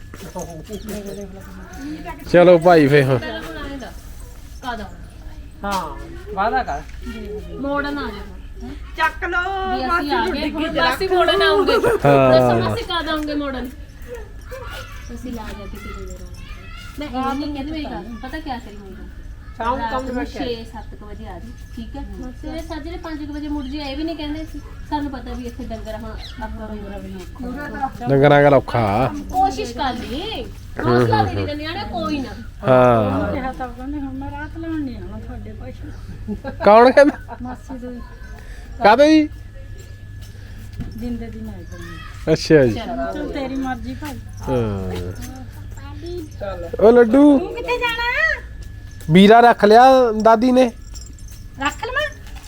Speaker 1: ਚਲੋ ਭਾਈ ਫੇ ਹੁਣ
Speaker 2: ਪਹਿਲਾਂ ਬਣਾਏਗਾ ਕਾਦਾ
Speaker 4: ਹਾਂ ਵਾਦਾ ਕਰ
Speaker 2: ਮੋੜਨ ਆ ਜਾਓ
Speaker 3: ਚੱਕ ਲੋ
Speaker 2: ਵੀ ਅਸੀਂ ਆ ਗਏ ਹੁਣ ਮਾਸੀ ਮੋੜਨ ਆਉਂਗੇ
Speaker 1: ਹਾਂ।
Speaker 2: ਦੱਸੋ ਮਾਸੀ ਕਾਦ ਆਉਂਗੇ ਮੋੜਨ ਅਸੀਂ ਲਾ ਜਾ ਕਿਸੇ ਦੇ ਮੈਂ ਇਹ ਨਹੀਂ ਕਹਿੰਦੀ ਮੇਰੀ ਗੱਲ ਪਤਾ ਕਿਆ ਕਰੀ ਮੇਰੀ ਗੱਲ ਸ਼ਾਮ ਨੂੰ ਕੰਮ ਨਿਬੜ ਕੇ ਛੇ ਸੱਤ ਵਜੇ ਆ ਜੀ ਠੀਕ ਹੈ ਸਵੇਰੇ ਸਾਜਰੇ ਪੰਜ ਵਜੇ ਮੁੜ ਜੀ ਇਹ ਵੀ ਨਹੀਂ ਕਹਿੰਦੇ ਸੀ ਸਾਨੂੰ ਪਤਾ ਵੀ ਇੱਥੇ ਡੰਗਰ ਹੁਣ ਆਪਾਂ ਡੰਗਰਾਂ ਬਿਨਾਂ
Speaker 1: ਡੰਗਰਾਂ ਦਾ ਔਖਾ
Speaker 2: ਕੋਸ਼ਿਸ਼ ਕਰ ਲਈ ਹੌਸਲਾ ਦੇ ਦੇ ਨਿਆਣੇ ਕੋਈ ਨਾ
Speaker 1: ਹਾਂ
Speaker 4: ਕਿਹਾ ਤਾਂ ਕਹਿੰਦੇ ਹੁਣ ਮੈਂ ਰਾਤ ਲਾਉਣ ਨਹੀਂ ਆਉਣਾ ਤੁਹਾਡੇ ਪਾਸੇ
Speaker 1: ਕੌਣ ਕਹਿੰਦਾ
Speaker 4: ਮਾਸੀ ਦੇ
Speaker 1: ਕਾਹਦੇ ਜੀ
Speaker 4: ਦਿਨ ਦੇ ਦਿਨ ਆਏ ਕਰਨੀ
Speaker 1: ਅੱਛਾ ਜੀ
Speaker 4: ਚਲ ਤੇਰੀ ਮਰਜ਼ੀ ਭਾਈ
Speaker 1: ਹਾਂ ਉਹ ਲੱਡੂ
Speaker 4: ਕਿੱਥੇ ਜਾਣਾ
Speaker 1: ਵੀਰਾ ਰੱਖ ਲਿਆ ਦਾਦੀ ਨੇ
Speaker 4: ਰੱਖ ਲਵਾਂ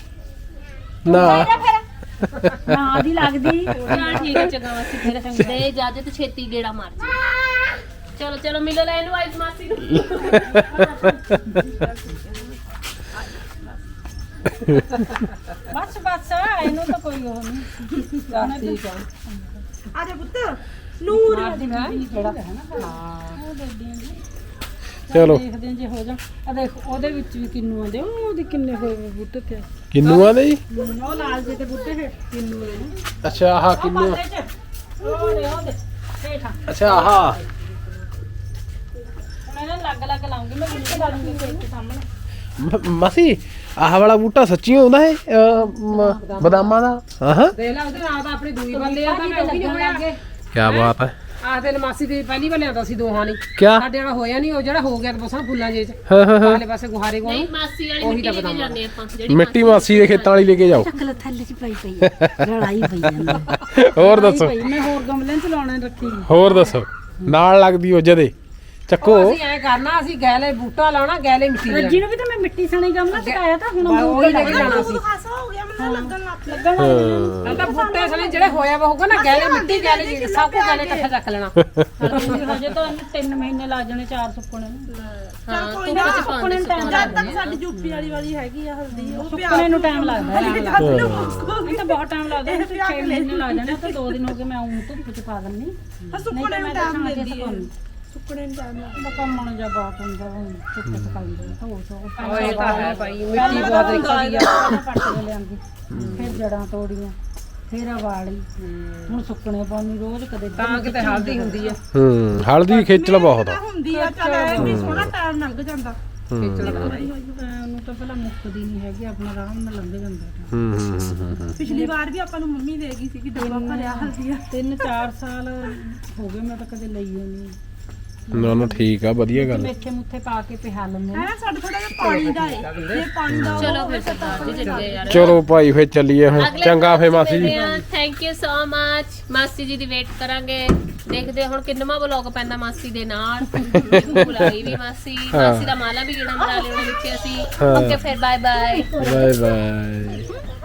Speaker 1: ਨਾ
Speaker 4: ਨਾ ਦੀ ਲੱਗਦੀ
Speaker 2: ਚਲ ਠੀਕ ਹੈ ਚੰਗਾ ਮਾਸੀ ਫਿਰ ਦੇ ਇਜਾਜ਼ਤ ਛੇਤੀ ਗੇੜਾ ਮਾਰ ਜੀ ਚਲੋ ਚਲੋ ਮਿਲੋ ਲੈ ਇਹਨੂੰ ਆਈਸ ਮਾਸੀ ਨੂੰ
Speaker 4: ਬਸ ਬਸ ਇਹਨੂੰ ਤਾਂ ਕੋਈ ਉਹ ਨਹੀਂ
Speaker 2: ਠੀਕ ਹੈ
Speaker 3: ਆ ਜਾ ਪੁੱਤ ਨੂਰ
Speaker 4: ਮਾਰਦੀ ਬੀਬੀ ਜਿਹੜਾ ਹੈ ਨਾ ਹਾਂ ਉਹ ਦੇਦੀਆਂ ਜੀ
Speaker 1: ਚਲੋ
Speaker 4: ਦੇਖਦੇ ਹਾਂ ਜੇ ਹੋ ਜਾ ਆ ਦੇਖ ਉਹਦੇ ਵਿੱਚ ਵੀ ਕਿੰਨੂ ਆਂਦੇ ਉਹ ਉਹਦੇ ਕਿੰਨੇ ਹੋਏ ਵੇ ਬੂਟੇ ਤੇ
Speaker 1: ਕਿੰਨੂਆਂ ਦੇ ਜੀ
Speaker 4: ਉਹ ਲਾਲ ਜਿਹੇ ਤੇ ਬੂਟੇ ਹੈ ਕਿੰਨੂ ਦੇ ਨੇ
Speaker 1: ਅੱਛਾ ਆਹ
Speaker 4: ਉਹ
Speaker 1: ਕਿੰਨੂ
Speaker 4: ਪਾਸੇ ਚ ਉਹ ਦੇ ਉਹ ਦੇ ਹੇਠਾਂ
Speaker 1: ਅੱਛਾ ਆਹ
Speaker 4: ਹੁਣ ਇਹਨਾਂ ਲੱਗ ਲੱਗ ਲਾਉਂਗੀ ਮੈਂ ਵਿੱਚ ਲਾ ਦੂੰਗੀ ਖੇਤ ਦੇ ਸਾਹਮਣੇ
Speaker 1: ਮ- ਮਾਸੀ ਆਹ ਵਾਲਾ ਬੂਟਾ ਸੱਚੀ ਹੁੰਦਾ ਹੈ ਅਹ, ਮ- ਬਦਾਮਾਂ ਦਾ ਹਾਂ ਹਾਂ
Speaker 5: ਦੇਖ ਲਾ ਉਹਦੇ ਨਾਲ ਤਾਂ ਆਪਣੀ ਦੂਈ ਬੱਲੇ ਆ ਤਾਂ ਮੈਂ ਉਹ ਵੀ ਨਹੀਂ ਹੋਇਆ ਅੱਗੇ
Speaker 1: ਕੀ ਬਾਤ ਹੈ
Speaker 5: ਆਹ ਤੇ ਮਾਸੀ ਦੀ ਪਹਿਲੀ ਬੱਲੇ ਆਉਂਦਾ ਸੀ ਦੋਹਾਂ ਨਹੀਂ
Speaker 1: ਕਿਆ
Speaker 5: ਸਾਡੇ ਵਾਲਾ ਹੋਇਆ ਨਹੀਂ ਉਹ ਜਿਹੜਾ ਹੋ ਗਿਆ ਤਾਂ ਬਸਾਂ ਫੁੱਲਾਂ ਜੇ ਚ
Speaker 1: ਹਾਂ ਹਾਂ ਹਾਂ
Speaker 5: ਵਾਲੇ ਪਾਸੇ ਗੁਹਾਰੇ ਕੋਲ
Speaker 2: ਨਹੀਂ ਮਾਸੀ ਵਾਲੀ ਮਿੱਟੀ ਲੈ ਕੇ ਜਾਂਦੇ ਆਪਾਂ ਜਿਹੜੀ
Speaker 1: ਮਿੱਟੀ ਮਾਸੀ ਦੇ ਖੇਤਾਂ ਵਾਲੀ ਲੈ ਕੇ ਜਾਓ
Speaker 4: ਚੱਕਲ ਥੱਲੇ ਚ ਪਈ ਪਈ ਲੜਾਈ ਪਈ ਜਾਂਦੀ
Speaker 1: ਹੋਰ ਦੱਸੋ
Speaker 4: ਪਈ ਮੈਂ ਹੋਰ ਗਮਲਿਆਂ ਚ ਲਾਉਣਾ ਰੱਖੀ
Speaker 1: ਹੋਰ ਦੱਸੋ ਨਾਲ ਲੱਗਦੀ ਉਹ ਜਦੇ ਚੱਕੋ
Speaker 5: ਅਸੀਂ ਐ ਕਰਨਾ ਅਸੀਂ ਗੈਲੇ ਬੂਟਾ ਲਾਉਣਾ ਗੈਲੇ ਮਿੱਟੀ ਦੇ
Speaker 4: ਰੱਜੀ ਨੂੰ ਵੀ ਤਾਂ ਮੈਂ ਮਿੱਟੀ ਸਣੇ ਗਮਲਾ ਚਕਾਇਆ ਤਾਂ ਹੁਣ
Speaker 5: ਉਹ ਹੀ ਲੈ ਕੇ ਜਾਣਾ ਸੀ
Speaker 3: ਖਾਸਾ ਹੋ ਗਿਆ ਮੈਨੂੰ ਲੱਗਣ ਲੱਗ ਪਿਆ
Speaker 4: ਲੱਗਣ
Speaker 1: ਹਾਂ
Speaker 5: ਤਾਂ ਤਾਂ ਬੂਟੇ ਸਣੇ ਜਿਹੜੇ ਹੋਇਆ ਵਾ ਹੋਊਗਾ ਨਾ ਗੈਲੇ ਮਿੱਟੀ ਗੈਲੇ ਜੀ ਸਭ ਕੁਝ ਗੈਲੇ ਇਕੱਠਾ ਚੱਕ ਲੈਣਾ
Speaker 4: ਹਜੇ ਤਾਂ ਇਹਨੂੰ ਤਿੰਨ ਮਹੀਨੇ ਲੱਗ ਜਾਣੇ ਚਾਰ ਸੁੱਕਣੇ ਨੂੰ
Speaker 2: ਹਾਂ
Speaker 3: ਕੋਈ
Speaker 2: ਧੁੱਪ
Speaker 3: ਨਾ
Speaker 2: ਚ ਪਾਉਂਦੇ
Speaker 4: ਸੁੱਕਣੇ ਨੂੰ
Speaker 3: ਜਦ ਤੱਕ ਸਾਡੀ ਯੂਪੀ ਵਾਲੀ ਵਾਲੀ ਹੈਗੀ ਆ ਹਲਦੀ ਉਹ
Speaker 4: ਸੁੱਕਣੇ ਨੂੰ ਟਾਈਮ ਲੱਗਦਾ ਹੈ
Speaker 3: ਜਦ ਨੂੰ ਮੁੱਕ
Speaker 4: ਇਹ ਤਾਂ ਬਹੁਤ ਟਾਈਮ ਲੱਗਦਾ ਹੈ ਛੇ ਮਹੀਨੇ ਲੱਗ ਜਾਣੇ ਤਾਂ ਦੋ ਦਿਨ ਹੋ ਗਏ ਮੈਂ ਆਉਂ ਧੁੱਪ ਚ ਪਾ ਦਿੰਨੀ
Speaker 3: ਆ ਸੁੱਕਣੇ ਨੂੰ ਟਾਈਮ ਦਿੰਦੀ ਹੈ
Speaker 4: ਸੁੱਕਣੇ
Speaker 3: ਸੁੱਕਣੇ ਨੂੰ ਟਾਈਮ ਲੱਗਦਾ
Speaker 4: ਕੰਮ ਮਣ ਜਾ ਬਾਤ ਹੁੰਦਾ ਹੁਣ ਧੁੱਪ ਚ ਪਾਉਂਦੇ ਧੋ ਧੋ
Speaker 5: ਉਹ ਇਹ ਤਾਂ ਹੈ ਭਾਈ ਮਿੱਟੀ ਬਹੁਤ ਨਿਕਲਦੀ ਆ
Speaker 4: ਪੱਟ ਕੇ ਲਿਆਂਦੀ ਫਿਰ ਜੜਾਂ ਤੋੜੀਆਂ ਫਿਰ ਵਾਲੀ ਹੁਣ ਸੁੱਕਣੇ ਪਾਉਣੀ ਰੋਜ਼ ਕਦੇ
Speaker 5: ਤਾਂ ਕਿਤੇ ਹਲਦੀ ਹੁੰਦੀ ਆ
Speaker 1: ਹੂੰ ਹਲਦੀ ਖੇਚਲ ਬਹੁਤ ਆ
Speaker 3: ਹੁੰਦੀ ਆ ਚੱਲ ਐ ਵੀ ਸੋਹਣਾ ਟਾਈਮ ਲੰਘ ਜਾਂਦਾ
Speaker 4: ਉਹਨੂੰ ਤਾਂ ਪਹਿਲਾਂ ਮੁੱਕਦੀ ਨਹੀਂ ਹੈਗੀ ਆਪਣਾ ਆਰਾਮ ਨਾਲ ਲੰਘ ਜਾਂਦਾ
Speaker 1: ਹੂੰ ਹੂੰ ਹੂੰ, ਹੂੰ
Speaker 3: ਪਿਛਲੀ ਵਾਰ ਵੀ ਆਪਾਂ ਨੂੰ ਮੰਮੀ ਦੇ ਗਈ ਸੀ ਕਿ ਡੱਬਾ ਭਰਿਆ ਹਲਦੀ ਆ
Speaker 4: ਤਿੰਨ ਚਾਰ ਸਾਲ ਹੋ ਗਏ ਮੈਂ ਤਾਂ ਕਦੇ ਲਈ ਨਹੀਂ
Speaker 1: ਨਾ ਨਾ ਠੀਕ ਆ ਵਧੀਆ ਗੱਲ
Speaker 4: ਮੇਥੇ ਮੁੱਥੇ ਪਾ ਕੇ ਪਿਹਾ ਲੈਂਦੇ
Speaker 3: ਹੈ ਸਾਡਾ ਥੋੜਾ ਜਿਹਾ ਪਾਣੀ ਦਾ ਏ ਜੇ ਪਾਣੀ ਦਾ
Speaker 2: ਚਲੋ ਫਿਰ ਸਰਦਾਰ ਜੀ ਚੱਲੇ ਯਾਰ
Speaker 1: ਚਲੋ ਭਾਈ ਫੇਰ ਚੱਲੀਏ ਹੁਣ ਚੰਗਾ ਫੇ ਮਾਸੀ ਜੀ
Speaker 2: ਥੈਂਕ ਯੂ ਸੋ ਮਚ ਮਾਸੀ ਜੀ ਦੀ ਵੇਟ ਕਰਾਂਗੇ ਦੇਖਦੇ ਹਾਂ ਹੁਣ ਕਿੰਨਵਾਂ ਵਲੌਗ ਪੈਂਦਾ ਮਾਸੀ ਦੇ ਨਾਲ ਬੁਲਾਈ ਵੀ ਮਾਸੀ ਮਾਸੀ ਦਾ ਮਾਲਾ ਵੀ ਜਿਹੜਾ ਮਰਾ ਲਿਆ ਉਹਦੇ ਵਿੱਚ ਅਸੀਂ ਓਕੇ ਫਿਰ ਬਾਏ ਬਾਏ
Speaker 1: ਬਾਏ ਬਾਏ